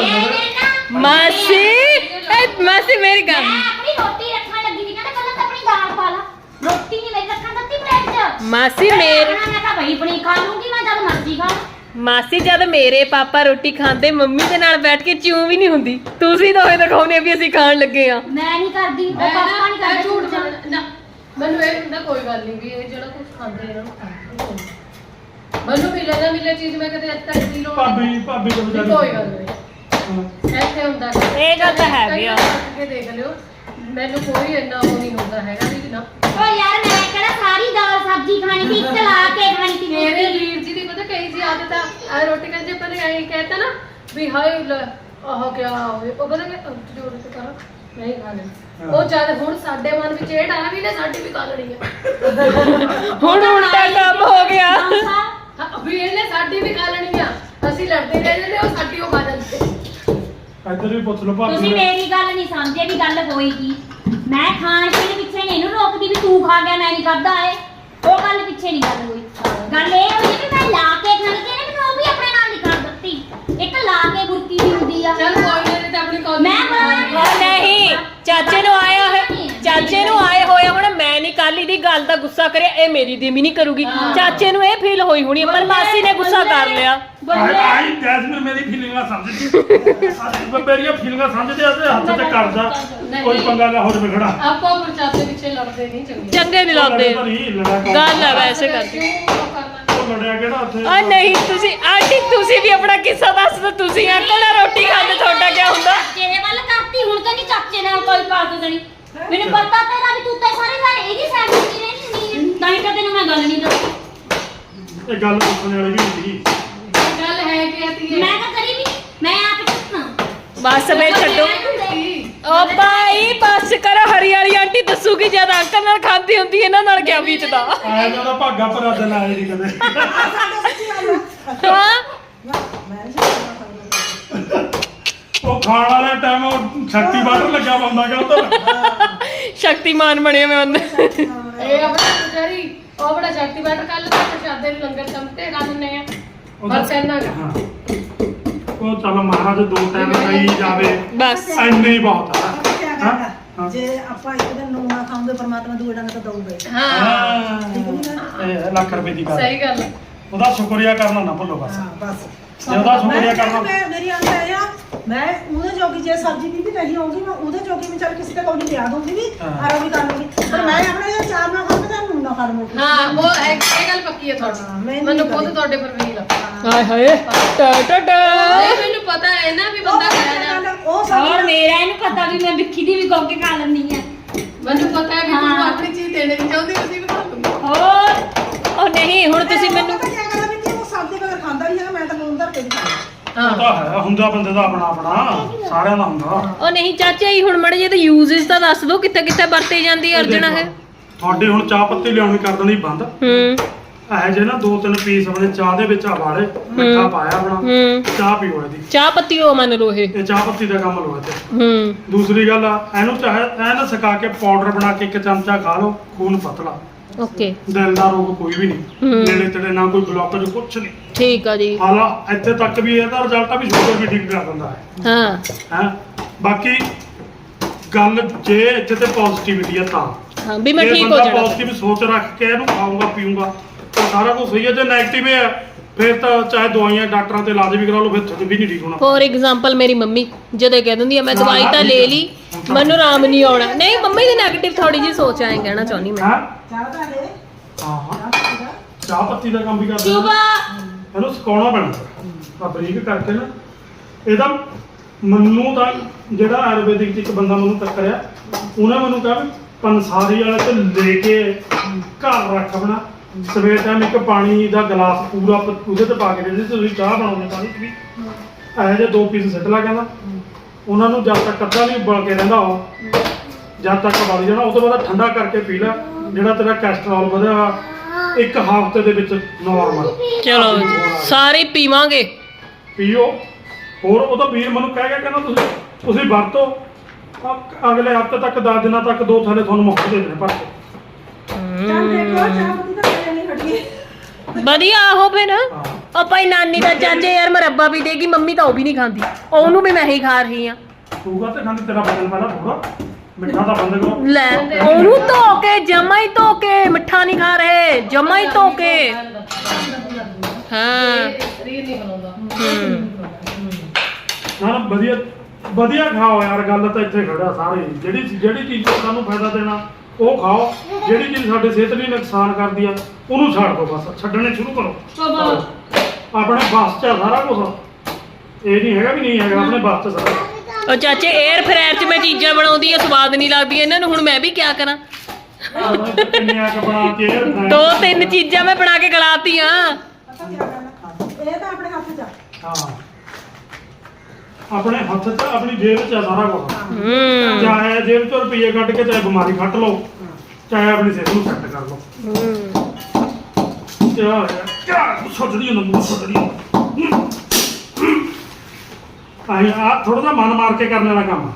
Speaker 5: ਮਾਸੀ ਮਾਸੀ ਮੇਰੀ ਗੱਲ,
Speaker 3: ਮੈਂ ਆਪਣੀ ਰੋਟੀ ਰੱਖਣ ਲੱਗੀ ਸੀ, ਕਹਿੰਦਾ ਪਹਿਲਾਂ ਤਾਂ ਆਪਣੀ ਦਾਲ ਪਾ ਲਾ, ਰੋਟੀ ਨਹੀਂ ਮੇਰੀ ਰੱਖਣ ਦਿੱਤੀ ਪਲੇਟ 'ਚ।
Speaker 5: ਮਾਸੀ
Speaker 3: ਮੈਂ ਤਾਂ ਬਈ ਬਣੀ ਖਾ ਲੂੰਗੀ, ਮੈਂ ਜਦ ਮਰਜ਼ੀ ਖਾ ਲਾਂ।
Speaker 5: ਮਾਸੀ ਜਦ ਮੇਰੇ ਪਾਪਾ ਰੋਟੀ ਖਾਂਦੇ ਮੰਮੀ ਦੇ ਨਾਲ ਬੈਠ ਕੇ ਚਿਊ ਵੀ ਨਹੀਂ ਹੁੰਦੀ, ਤੁਸੀਂ ਦੋਵੇਂ ਦਿਖਾਉਨੇ ਵੀ ਅਸੀਂ ਖਾਣ ਲੱਗੇ ਆ।
Speaker 3: ਮੈਂ ਨਹੀਂ ਕਰਦੀ, ਉਹ
Speaker 4: ਮੈਂ
Speaker 3: ਪਾਪਾ ਨਹੀਂ
Speaker 4: ਨਾ
Speaker 3: ਕਰਦਾ
Speaker 4: ਝੂਠ
Speaker 3: ਝੂਠ
Speaker 4: ਬੋਲਣਾ ਨਾ, ਮੈਨੂੰ ਇਹ ਹੁੰਦਾ ਕੋਈ ਗੱਲ ਨਹੀਂ ਵੀ ਇਹ ਜਿਹੜਾ ਕੁਝ ਖਾਂਦੇ ਇਹਨਾਂ ਨੂੰ ਖਾਣ ਮੈਨੂੰ ਮਿਲੇ ਚੀਜ਼ ਮੈਂ ਕਦੇ ਅੱਜ ਤੱਕ ਨਹੀਂ ਲੋੜ
Speaker 1: ਭਾਬੀ ਤੋਂ ਵਿਚਾਰੀ
Speaker 4: ਕੋਈ ਗੱਲ ਨਹੀਂ ਇੱਥੇ ਹੁੰਦਾ
Speaker 5: ਇਹ ਗੱਲ ਤਾਂ ਹੈ ਵੀ ਆ।
Speaker 4: ਕੇ ਦੇਖ ਲਿਓ, ਮੈਨੂੰ ਕੋਈ ਇੰਨਾ ਉਹ ਨਹੀਂ ਹੁੰਦਾ ਹੈਗਾ ਵੀ ਨਾ।
Speaker 3: ਓ ਯਾਰ ਮੈਂ ਕਿਹੜਾ ਸਾਰੀ ਦਾਲ ਸਬਜ਼ੀ ਖਾਣੀ ਸੀ, ਇੱਕ ਲਾ ਕੇ ਖਾਣੀ ਸੀ
Speaker 4: ਮੇਰੇ
Speaker 3: ਮੇਰੀ।
Speaker 4: ਵੀਰ ਜੀ ਦੀ ਪਤਾ ਕਈ ਜੀ ਆਦਤ ਆ ਰੋਟੀ ਖਾਂਦੇ ਆਪਾਂ ਨੇ ਐਂ ਕਹਿਤਾ ਨਾ ਵੀ ਹਾਏ ਆਹ ਕਿਆ ਹੋਵੇ, ਉਹ ਪਤਾ ਕਿ ਜੋੜ ਕੇ ਕਰਾਂ ਨਹੀਂ ਖਾਣੇ। ਉਹ ਜਦ ਹੁਣ ਸਾਡੇ ਮਨ ਵਿੱਚ ਇਹ ਡਾਲਾ ਵੀ ਨੇ ਸਾਡੀ ਵੀ ਕਾਲਣੀ ਆ।
Speaker 5: ਹੁਣ ਉਲਟਾ ਕੰਮ ਹੋ ਗਿਆ।
Speaker 4: ਵੀ ਇਹਨੇ ਸਾਡੀ ਵੀ ਖਾ ਲੈਣੀ ਆ, ਅਸੀਂ ਲੜਦੇ ਰਹਿ ਜਾਂਦੇ, ਉਹ ਸਾਡੀ ਉਹ ਖਾ ਜਾਂਦੇ।
Speaker 1: ਇੱਧਰ ਵੀ ਪੁੱਛ ਲਓ ਭਾਬੀ
Speaker 3: ਤੁਸੀਂ ਮੇਰੀ ਗੱਲ ਨਹੀਂ ਸਮਝੇ ਵੀ ਗੱਲ ਹੋਈ ਕੀ। ਮੈਂ ਖਾਣ ਪੀਣ ਪਿੱਛੇ ਨਹੀਂ ਇਹਨੂੰ ਰੋਕਦੀ ਵੀ ਤੂੰ ਖਾ ਗਿਆ ਮੈਂ ਨਹੀਂ ਖਾਦਾ ਏ, ਉਹ ਗੱਲ ਪਿੱਛੇ ਨਹੀਂ ਗੱਲ ਹੋਈ। ਗੱਲ ਇਹ ਹੋਈ ਵੀ ਮੈਂ ਲਾ ਕੇ ਖਾਣੀ ਤੇ ਇਹਨੇ ਮੈਨੂੰ ਉਹ ਵੀ ਆਪਣੇ ਨਾਲ ਨਹੀਂ ਖਾ ਦਿੱਤੀ। ਇੱਕ ਲਾ ਕੇ ਗੁਰਕੀ ਵੀ ਹੁੰਦੀ ਆ।
Speaker 4: ਚੱਲ ਕੋਈ ਨਹੀਂ ਤੇ ਆਪਣੀ ਕੌਲੀ
Speaker 3: ਮੈਂ ਬਣਾਉਣੀ
Speaker 5: ਉਹ ਨਹੀਂ, ਚਾਚੇ ਨੂੰ ਆਏ ਹੋਏ ਹੁਣ ਮੈਂ ਨਹੀਂ ਕੱਲ ਦੀ ਗੱਲ ਦਾ ਗੁੱਸਾ ਕਰਿਆ, ਇਹ ਮੇਰੀ ਦੀ ਵੀ ਨਹੀਂ ਕਰੂਗੀ। ਚਾਚੇ ਨੂੰ ਇਹ ਫੀਲ ਹੋਈ ਹੋਣੀ ਪਰ ਮਾਸੀ ਨੇ ਗੁੱਸਾ ਕਰ ਲਿਆ।
Speaker 1: ਆਈ ਜੈਸਮੀਨ ਮੇਰੀ ਫੀਲਿੰਗਾਂ ਸਮਝਦੀ ਮੇਰੀਆਂ ਫੀਲਿੰਗਾਂ ਸਮਝਦੇ ਆ ਤੇ ਹੱਥ ਤੇ ਕਰਦਾ ਕੋਈ ਪੰਗਾ ਨਾ ਹੋ ਜਾਵੇ ਖੜਾ।
Speaker 4: ਆਪਾਂ ਚਾਚੇ ਪਿੱਛੇ ਲੜਦੇ ਨਹੀਂ ਚੰਗੇ।
Speaker 5: ਚੰਗੇ ਨਹੀਂ ਲੱਗਦੇ, ਗੱਲ ਹੈ ਵੈਸੇ ਕਰਦੀ।
Speaker 4: ਕਿਉਂ ਕਰਨਾ?
Speaker 1: ਉਹ ਲੜਿਆ ਕਿਹੜਾ ਉੱਥੇ?
Speaker 5: ਆ ਨਹੀਂ ਤੁਸੀਂ ਆਂਟੀ ਤੁਸੀਂ ਵੀ ਆਪਣਾ ਕਿੱਸਾ ਦੱਸ ਦਿਓ। ਤੁਸੀਂ ਅੰਕਲ ਨਾਲ ਰੋਟੀ ਖਾਂਦੇ ਤੁਹਾਡਾ ਕੀ ਹੁੰਦਾ?
Speaker 3: ਚਾਚੇ ਵੱਲ ਕਰਤੀ ਹੁਣ ਕਹਿੰਦੀ ਚਾਚੇ ਨਾਲ ਕੋਈ ਪਾਸ ਨਹੀਂ। ਮੈਨੂੰ ਪਤਾ ਤੇਰਾ ਵੀ ਤੂੰ ਤੇ ਸਾਰੇ ਇਹਦੀ ਸਾਈਡ ਤੇ ਰਹਿਣੀ ਤਾਂ ਹੀ ਤਾਂ ਤੈਨੂੰ ਮੈਂ ਗੱਲ ਨਹੀਂ ਦੱਸੀ।
Speaker 1: ਇਹ ਗੱਲ ਪੁੱਛਣ ਵਾਲੀ ਵੀ ਹੁੰਦੀ।
Speaker 4: ਗੱਲ ਹੈ ਕਿ ਆਤੀ
Speaker 3: ਮੈਂ ਤਾਂ ਕਰੀ ਵੀ ਨਹੀਂ, ਮੈਂ ਆਪ ਦੱਸਣਾ।
Speaker 5: ਬਸ ਵੇ ਛੱਡੋ। ਓ ਭਾਈ ਬਸ ਕਰੋ, ਹਰੀ ਵਾਲੀ ਆਂਟੀ ਦੱਸੂਗੀ ਜਦ ਅੰਕਲ ਨਾਲ ਖਾਂਦੀ ਹੁੰਦੀ ਇਹਨਾਂ ਨਾਲ ਕਿਆ ਬੀਤਦਾ।
Speaker 1: ਆਇਆ ਤਾਂ ਭਾਗਾ ਭਰਾ ਦਿਨ ਆਏ ਨਹੀਂ ਕਦੇ।
Speaker 5: ਹਾਂ
Speaker 2: ਮੈਂ ਨਹੀਂ ਸਕਦਾ
Speaker 1: ਉਹ ਖਾਣ ਵਾਲੇ ਟਾਈਮ ਉਹ ਸ਼ਕਤੀ ਬਾਟਰ ਲੱਗਾ ਪਾਉਂਦਾ ਗਾ ਉਧਰ।
Speaker 5: ਸ਼ਕਤੀਮਾਨ ਬਣਿਆ ਮੈਂ ਬੰਦੇ।
Speaker 4: ਇਹ ਆਪਣਾ ਪੁਜਾਰੀ ਉਹ ਬੜਾ ਸ਼ਕਤੀ ਬਾਟਰ ਕੱਲ ਤੇ ਪ੍ਰਸ਼ਾਦੇ ਨੂੰ ਲੰਗਰ ਚਮਤੇ ਖਾ ਦਿੰਦੇ ਆ। ਬਸ ਇੰਨਾ ਗਾ।
Speaker 1: ਹਾਂ। ਉਹ ਚੱਲ ਮਹਾਰਾਜ 2 ਟਾਈਮ ਖਾਈ ਜਾਵੇ
Speaker 5: ਬਸ
Speaker 1: ਇੰਨੇ ਹੀ ਬਹੁਤ ਆ।
Speaker 2: ਆਪਾਂ ਕੀ
Speaker 1: ਹਾਂ?
Speaker 2: ਕਰਨਾ ਜੇ ਆਪਾਂ ਇੱਕ ਦਿਨ ਨੂੰ ਨਾ ਖਾਉਂਦੇ ਪਰਮਾਤਮਾ ਦੂਏ ਡੰਗ ਤਾਂ ਦਊਗਾ ਹੀ।
Speaker 4: ਹਾਂ
Speaker 1: ਹਾਂ ਇਹ ਲੱਖ ਰੁਪਏ ਦੀ ਗੱਲ।
Speaker 4: ਸਹੀ ਗੱਲ ਹੈ।
Speaker 1: ਉਹਦਾ ਸ਼ੁਕਰੀਆ ਕਰਨਾ ਨਾ ਭੁੱਲੋ ਬਸ।
Speaker 2: ਹਾਂ ਬਸ
Speaker 1: ਜੇ ਉਹਦਾ ਸ਼ੁਕਰੀਆ ਕਰਨਾ।
Speaker 2: ਮੇਰੀ ਅੰਤ ਹੈ ਆ ਮੈਂ ਉਹਦੇ ਜੋਗੀ ਜੇ ਸਬਜ਼ੀ ਦੀ ਵੀ ਨਹੀਂ ਹੋਊਗੀ ਮੈਂ ਉਹਦੇ ਜੋਗੀ ਵੀ ਚੱਲ ਕਿਸੇ ਤੇ ਕੋਈ ਲਿਆ ਦੂੰਗੀ ਵੀ ਆਰਾ ਵੀ ਕਰ ਲੂੰਗੀ ਪਰ ਮੈਂ ਆਪਣੇ ਇਹ ਚਾਰ ਨਾ ਖਾਂਦਾ ਤਾਂ ਨੂੰ ਨਾ ਖਾ ਲਵਾਂਗੀ।
Speaker 4: ਹਾਂ ਉਹ ਇਹ ਗੱਲ ਪੱਕੀ ਹੈ
Speaker 2: ਹਾਂ,
Speaker 4: ਤੁਹਾਡੀ।
Speaker 2: ਮੈਨੂੰ
Speaker 4: ਮੈਨੂੰ
Speaker 2: ਨਹੀਂ
Speaker 4: ਖੁਦ ਤੁਹਾਡੇ ਪਰ ਵੀ ਲੱਗਦਾ।
Speaker 5: ਹਾਏ ਹਾਏ ਟਾ ਟਾ ਟਾ।
Speaker 4: ਨਹੀਂ ਮੈਨੂੰ ਪਤਾ ਹੈ ਨਾ ਵੀ ਬੰਦਾ ਖਾਇਆ ਜਾਂਦਾ।
Speaker 2: ਉਹ
Speaker 3: ਹੋਰ
Speaker 2: ਸਬਜ਼ੀ
Speaker 3: ਮੇਰਾ ਇਹਨੂੰ ਪਤਾ ਵੀ ਮੈਂ ਵਿੱਕੀ ਦੀ ਵੀ ਗੋਕੇ ਖਾ ਲੈਂਦੀ ਆ।
Speaker 4: ਮੈਨੂੰ ਪਤਾ ਹੈ ਵੀ ਤੂੰ
Speaker 3: ਹਾਂ।
Speaker 4: ਆਪਣੀ ਚੀਜ਼ ਦੇਣੀ ਨਹੀਂ ਚਾਹੁੰਦੀ ਅਸੀਂ ਵੀ ਖਾ ਲੂੰਗੀ।
Speaker 3: ਹੋਰ
Speaker 5: ਉਹ ਨਹੀਂ ਹੁਣ ਤੁਸੀਂ ਮੈਨੂੰ
Speaker 2: ਕੀ ਕਰਾਂ ਵੀ ਕਿ ਉਹ ਸਬਜ਼ੀ ਬਗੈਰ ਖਾਂਦਾ ਨਹੀਂ ਹੈ ਮੈਂ ਤਾਂ ਮੂੰਹ ਧਰ ਕੇ ਵੀ ਖਾਂਦਾ।
Speaker 1: ਉਹ ਤਾਂ ਹੈ ਹੁੰਦਾ ਬੰਦੇ ਦਾ ਆਪਣਾ ਆਪਣਾ ਸਾਰਿਆਂ ਦਾ ਹੁੰਦਾ।
Speaker 5: ਉਹ ਨਹੀਂ ਚਾਚਾ ਜੀ ਹੁਣ ਮੜੇ ਜੇ ਤਾਂ ਯੂਜ਼ਸ ਤਾਂ ਦੱਸ ਦਿਓ ਕਿੱਥੇ ਕਿੱਥੇ ਵਰਤੇ ਜਾਂਦੀ ਹੈ ਅਰਜਣਾ ਹੈ।
Speaker 1: ਤੁਹਾਡੇ ਹੁਣ ਚਾਹ ਪੱਤੀ ਲਿਆਉਣੀ ਕਰ ਦੇਣੀ ਬੰਦ। ਇਹ ਜੇ ਨਾ 2-3 ਪੀਸ ਆਪਣੇ ਚਾਹ ਦੇ ਵਿੱਚ ਵਾਲੇ ਮਿੱਠਾ ਪਾਇਆ ਆਪਣਾ ਚਾਹ ਪੀਓ ਇਹਦੀ।
Speaker 5: ਚਾਹ ਪੱਤੀ ਉਹ ਮੰਨ ਲਓ ਇਹ।
Speaker 1: ਇਹ ਚਾਹ ਪੱਤੀ ਦਾ ਕੰਮ ਲੋ ਇੱਥੇ। ਦੂਸਰੀ ਗੱਲ ਆ ਇਹਨੂੰ ਚਾਹੇ ਐਨ ਸੁਕਾ ਕੇ ਪਾਊਡਰ ਬਣਾ ਕੇ 1 ਚਮਚਾ ਖਾ ਲਓ ਖੂਨ ਪਤਲਾ।
Speaker 5: ਓਕੇ
Speaker 1: ਦਿਲ ਦਾ ਰੋਗ ਕੋਈ ਵੀ ਨਹੀਂ ਨੇੜੇ ਤੇੜੇ ਨਾ ਕੋਈ ਬਲੌਕੇਜ ਕੁਛ ਨਹੀਂ।
Speaker 5: ਠੀਕ ਆ ਜੀ।
Speaker 1: ਹਾਲਾ ਇੱਥੇ ਤੱਕ ਵੀ ਇਹਦਾ ਰਿਜ਼ਲਟ ਆ ਵੀ ਸ਼ੂਗਰ ਵੀ ਠੀਕ ਕਰ ਦਿੰਦਾ ਹੈ।
Speaker 5: ਹਾਂ
Speaker 1: ਬਾਕੀ ਗੱਲ ਜੇ ਇੱਥੇ ਤੇ ਪੋਜ਼ਿਟਿਵਿਟੀ ਆ ਤਾਂ
Speaker 5: ਹਾਂ ਵੀ ਮੈਂ ਠੀਕ ਹੋ ਜਾਣਾ।
Speaker 1: ਪੋਜ਼ਿਟਿਵ ਸੋਚ ਰੱਖ ਕੇ ਇਹਨੂੰ ਖਾਊਂਗਾ ਪੀਊਂਗਾ ਤਾਂ ਸਾਰਾ ਕੁਝ ਸਹੀ ਹੈ। ਜੇ 네ਗੇਟਿਵ ਹੈ ਫਿਰ ਤਾਂ ਚਾਹੇ ਦਵਾਈਆਂ ਡਾਕਟਰਾਂ ਤੇ ਇਲਾਜ ਵੀ ਕਰਾ ਲਓ ਫਿਰ ਤੁਹਾਡੇ ਵੀ ਨਹੀਂ ਠੀਕ ਹੋਣਾ।
Speaker 5: ਫੋਰ ਐਗਜ਼ਾਮਪਲ ਮੇਰੀ ਮੰਮੀ ਜਦੋਂ ਕਹਿ ਦਿੰਦੀ ਆ ਮੈਂ ਦਵਾਈ ਤਾਂ ਲੈ ਲਈ ਮੈਨੂੰ ਆਰਾਮ ਨਹੀਂ ਆਉਣਾ। ਨਹੀਂ ਮੰਮੀ ਦੀ 네ਗੇਟਿਵ ਥੋੜੀ ਜੀ ਸੋਚ ਐਂ ਕਹਿਣਾ ਚਾਹੁੰਦੀ ਮੈਂ।
Speaker 2: ਚਾਹ ਦਾ ਲੈ
Speaker 1: ਹਾਂ ਚਾਹ ਪੱਤੀ ਦਾ ਕੰਮ ਵੀ ਕਰਦੇ
Speaker 3: ਸੁਬਾ
Speaker 1: ਇਹਨੂੰ ਸੁਕਾਉਣਾ ਪੈਣਾ ਆ ਬਰੀਕ ਕਰਕੇ ਨਾ। ਇਹਦਾ ਮੈਨੂੰ ਤਾਂ ਜਿਹੜਾ ਆਯੁਰਵੈਦਿਕ ਚ ਇੱਕ ਬੰਦਾ ਮੈਨੂੰ ਟੱਕਰਿਆ ਉਹਨੇ ਮੈਨੂੰ ਕਿਹਾ ਵੀ ਪੰਸਾਰੀ ਵਾਲੇ ਤੇ ਲੈ ਕੇ ਘਰ ਰੱਖ ਆਪਣਾ ਸਵੇਰ ਟਾਈਮ ਇੱਕ ਪਾਣੀ ਦਾ ਗਲਾਸ ਪੂਰਾ ਉਹਦੇ ਤੇ ਪਾ ਕੇ ਦੇ ਤੁਸੀਂ ਚਾਹ ਬਣਾਉਂਦੇ ਪਾਣੀ ਚ ਵੀ ਇਹੋ ਜਿਹੇ 2 ਪੀਸ ਸਿੱਟ ਲਾ ਕਹਿੰਦਾ ਉਹਨਾਂ ਨੂੰ ਜਦ ਤੱਕ ਅੱਧਾ ਨਹੀਂ ਉਬਲ ਕੇ ਰਹਿੰਦਾ ਉਹ ਜਦ ਤੱਕ ਵਧ ਜਾਣਾ ਉਸ ਤੋਂ ਬਾਅਦ ਠੰਡਾ ਕਰਕੇ ਪੀ ਲੈ ਜਿਹੜਾ ਤੇਰਾ ਕੋਲੇਸਟ੍ਰੋਲ ਵਧਿਆ ਵਾ 1 ਹਫ਼ਤੇ ਦੇ ਵਿੱਚ ਨਾਰਮਲ।
Speaker 5: ਚਲੋ ਸਾਰੇ ਪੀਵਾਂਗੇ।
Speaker 1: ਪੀਓ ਹੋਰ ਉਹਦਾ ਵੀਰ ਮੈਨੂੰ ਕਹਿ ਗਿਆ ਕਹਿੰਦਾ ਤੁਸੀਂ ਵਰਤੋ ਅਗਲੇ ਹਫ਼ਤੇ ਤੱਕ 10 ਦਿਨਾਂ ਤੱਕ 2 ਥੈਲੇ ਤੁਹਾਨੂੰ ਮੁਫਤ ਦੇ ਦੇਣੇ ਪਰ
Speaker 2: ਚੱਲ ਦੇਖੋ ਚਾਹ ਪੱਤੀ ਤਾਂ ਮੇਰੇ ਨਹੀਂ ਹਟੀ।
Speaker 5: ਵਧੀਆ ਆਹੋ ਫਿਰ। ਉਹ ਭਾਈ ਨਾਨੀ ਦਾ ਚਾਚੇ ਯਾਰ ਮਰੱਬਾ ਵੀ ਦੇਗੀ ਮੰਮੀ ਤਾਂ ਉਹ ਵੀ ਨਹੀਂ ਖਾਂਦੀ ਉਹਨੂੰ ਵੀ ਮੈਂ ਹੀ ਖਾ ਰਹੀ ਆ।
Speaker 1: ਤੂੰ ਤੇ ਖਾਂਦੀ ਤੇਰਾ ਬਦਲ ਪੈਣਾ ਥੋੜਾ ਮਿੱਠਾ ਤਾਂ ਬੰਦ ਕਰੋ।
Speaker 5: ਲੈ ਉਹਨੂੰ ਧੋ ਕੇ ਜਮਾ ਹੀ ਧੋ ਕੇ ਮਿੱਠਾ ਨਹੀਂ ਖਾ ਰਹੇ ਜਮਾ ਹੀ ਧੋ ਕੇ। ਹਾਂ
Speaker 4: ਸਰੀਰ ਨਹੀਂ ਬਣਾਉਂਦਾ।
Speaker 1: ਨਾ ਵਧੀਆ ਵਧੀਆ ਖਾਓ ਯਾਰ ਗੱਲ ਤਾਂ ਇੱਥੇ ਖੜਾ ਸਾਰੇ ਜਿਹੜੀ ਚੀਜ਼ ਤੋਂ ਸਾਨੂੰ ਫਾਇਦਾ ਦੇਣਾ ਉਹ ਖਾਓ। ਜਿਹੜੀ ਚੀਜ਼ ਸਾਡੇ ਸਿਹਤ ਲਈ ਨੁਕਸਾਨ ਕਰਦੀ ਆ ਉਹਨੂੰ ਛੱਡ ਦਿਓ ਬਸ ਛੱਡਣੇ ਸ਼ੁਰੂ ਕਰੋ। ਆਪਣੇ ਬਸ 'ਚ ਆ ਸਾਰਾ ਕੁਝ ਇਹ ਨਹੀਂ ਹੈਗਾ ਵੀ ਨਹੀਂ ਹੈਗਾ ਆਪਣੇ ਬਸ 'ਚ ਸਾਰਾ।
Speaker 5: ਉਹ ਚਾਚੇ 에ਅਰ ਫਰਾਇਰ 'ਚ ਮੈਂ ਚੀਜ਼ਾਂ ਬਣਾਉਂਦੀ ਆ ਸਵਾਦ ਨਹੀਂ ਲੱਗਦੀਆਂ ਇਹਨਾਂ ਨੂੰ ਹੁਣ ਮੈਂ ਵੀ ਕਿਆ ਕਰਾਂ।
Speaker 1: ਕਿੰਨੀਆਂ ਕੁ ਬਣਾ ਕੇ
Speaker 5: 2-3 ਚੀਜ਼ਾਂ ਮੈਂ ਬਣਾ ਕੇ ਗਲਾਤੀਆਂ।
Speaker 2: ਪਤਾ ਕੀ ਕਰਨਾ ਇਹ ਤਾਂ ਆਪਣੇ ਹੱਥ 'ਚ ਆ।
Speaker 1: ਹਾਂ ਆਪਣੇ ਹੱਥ 'ਚ ਆਪਣੀ ਜੇਬ 'ਚ ਆ ਸਾਰਾ ਕੁਝ। ਚਾਹੇ ਜੇਬ 'ਚੋਂ ਰੁਪਈਏ ਕੱਢ ਕੇ ਚਾਹੇ ਬਿਮਾਰੀ ਖੱਟ ਲਓ ਚਾਹੇ ਆਪਣੀ ਸਿਹਤ ਨੂੰ ਸੈੱਟ ਕਰ ਲਓ। ਕਿਆ ਸੋਚਦੀ ਹੁੰਦਾ ਆਈ ਆ ਥੋੜਾ ਜਿਹਾ ਮਨ ਮਾਰ ਕੇ ਕਰਨ ਵਾਲਾ ਕੰਮ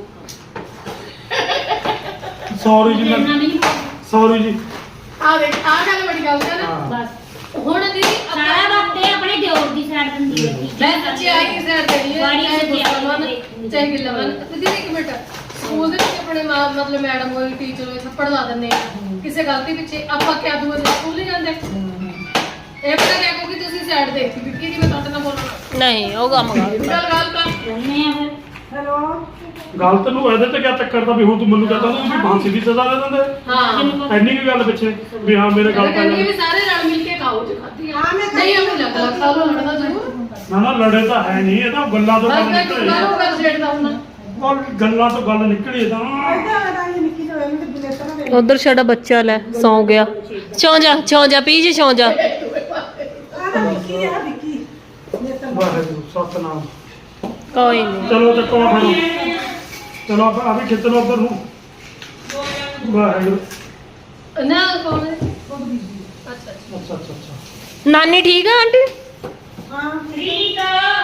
Speaker 1: ਸੌਰੀ ਜੀ
Speaker 3: ਇੰਨਾ ਵੀ ਨਹੀਂ
Speaker 1: ਸੌਰੀ ਜੀ
Speaker 4: ਆ ਦੇਖ ਆ ਗੱਲ ਬੜੀ ਗੱਲ ਹੈ ਨਾ
Speaker 1: ਹਾਂ।
Speaker 3: ਬਸ
Speaker 4: ਹੁਣ ਦੀਦੀ
Speaker 3: ਸਾਰਾ ਵਕਤ ਇਹ ਆਪਣੇ ਦਿਓਰ ਦੀ ਸਾਈਡ ਦਿੰਦੀ ਹੈ
Speaker 4: ਮੈਂ ਸੱਚਾਈ ਹੀ ਸਰ ਦੇਣੀ ਹੈ
Speaker 3: ਬੜੀ
Speaker 4: ਚਾਹੇ
Speaker 3: ਸੱਚਾਈ
Speaker 4: ਗੁੱਸਾ ਮਨ
Speaker 3: ਹੈ।
Speaker 4: ਚਾਹੇ ਗਿੱਲਾ ਮਨ ਦੀਦੀ ਇੱਕ ਮਿੰਟ ਸਕੂਲ ਦੇ ਵਿੱਚ ਆਪਣੇ ਮਤਲਬ ਮੈਡਮ ਹੋਈ ਟੀਚਰ ਹੋਈ ਥੱਪੜ ਲਾ ਦਿੰਦੇ ਆ ਕਿਸੇ ਗਲਤੀ ਪਿੱਛੇ ਆਪਾਂ ਕਿਆ ਦੂਏ ਦਿਨ ਸਕੂਲ ਨਹੀਂ ਜਾਂਦੇ ਇਹ ਪਤਾ ਕਿਆ ਕਿਉਂਕਿ ਤੁਸੀਂ ਸਾਈਡ ਦੇਖੀ ਵਿੱਕੀ ਦੀ ਮੈਂ ਤੁਹਾਡੇ ਨਾਲ ਬੋਲਣਾ
Speaker 5: ਨਹੀਂ ਉਹ ਕੰਮ ਕਰ
Speaker 4: ਗੱਲ ਕਰ
Speaker 3: ਰਹਿੰਦੇ ਆ ਫਿਰ
Speaker 2: ਹੈਲੋ
Speaker 1: ਗਲਤ ਨੂੰ ਇਹਦੇ ਤੇ ਕਿਆ ਚੱਕਰ ਦਾ ਵੀ ਹੁਣ ਤੂੰ ਮੈਨੂੰ ਕਹਤਾ ਤੂੰ ਵੀ ਫਾਂਸੀ ਦੀ ਸਜ਼ਾ ਦੇ ਦਿੰਦੇ
Speaker 4: ਹਾਂ
Speaker 1: ਇੰਨੀ ਕੀ ਗੱਲ ਪਿੱਛੇ ਵੀ ਹਾਂ ਮੇਰੇ ਗੱਲ
Speaker 4: ਕਹਿੰਦੀ
Speaker 1: ਪੈ
Speaker 4: ਵੀ ਸਾਰੇ ਰਲ ਮਿਲ ਕੇ ਖਾਓ ਜੇ ਖਾਧੀ ਆ
Speaker 2: ਹਾਂ, ਮੈਂ
Speaker 4: ਨਹੀਂ ਆਪਣੀ ਲੱਗ ਲੱਗ ਸਾਲੋਂ ਲੜਨਾ ਜ਼ਰੂਰ
Speaker 1: ਨਾ ਨਾ ਲੜੇ ਤਾਂ ਹੈ ਨਹੀਂ ਇਹ ਤਾਂ ਗੱਲਾਂ ਤੋਂ
Speaker 4: ਬਸ
Speaker 1: ਗੱਲ
Speaker 4: ਮੈਂ
Speaker 1: ਨਿਕਲੀ
Speaker 4: ਕਿਹਨੂੰ ਕਰ ਛੇੜਦਾ ਹੁਣ
Speaker 1: ਔਰ ਗੱਲਾਂ ਤੋਂ ਗੱਲ ਨਿਕਲੀ ਤਾਂ
Speaker 2: ਇੱਧਰ ਆ ਤਾਂ ਨਿੱਕੀ ਜਿਹੀ ਹੋਈ ਤੇ ਬਿਲੇਟਰ ਨਾ ਦੇ
Speaker 5: ਉਧਰ ਸਾਡਾ ਬੱਚਾ ਲੈ ਸੌ ਗਿਆ ਛੌਂ ਜਾ ਪੀ ਜੀ ਛੌਂ ਜਾ
Speaker 2: ਆ ਤਾਂ ਨਿੱਕੀ ਆ ਵਿੱਕੀ ਬਿਲੇਟਰ
Speaker 1: ਵਾਹਿਗੁਰੂ ਸਤਨਾਮ
Speaker 5: ਕੋਈ ਨਹੀਂ
Speaker 1: ਚਲੋ ਚੱਕੋ ਆਹ ਫੜੋ ਚਲੋ ਆ ਵੀ ਖਿੱਚ ਲਓ ਉੱਧਰ ਨੂੰ ਵਾਹਿਗੁਰੂ
Speaker 4: ਨਾ ਕੌਣ ਹੈ ਅੱਛਾ ਅੱਛਾ
Speaker 1: ਅੱਛਾ ਅੱਛਾ ਅੱਛਾ
Speaker 5: ਨਾਨੀ ਠੀਕ ਆ ਆਂਟੀ
Speaker 2: ਹਾਂ
Speaker 3: ਠੀਕ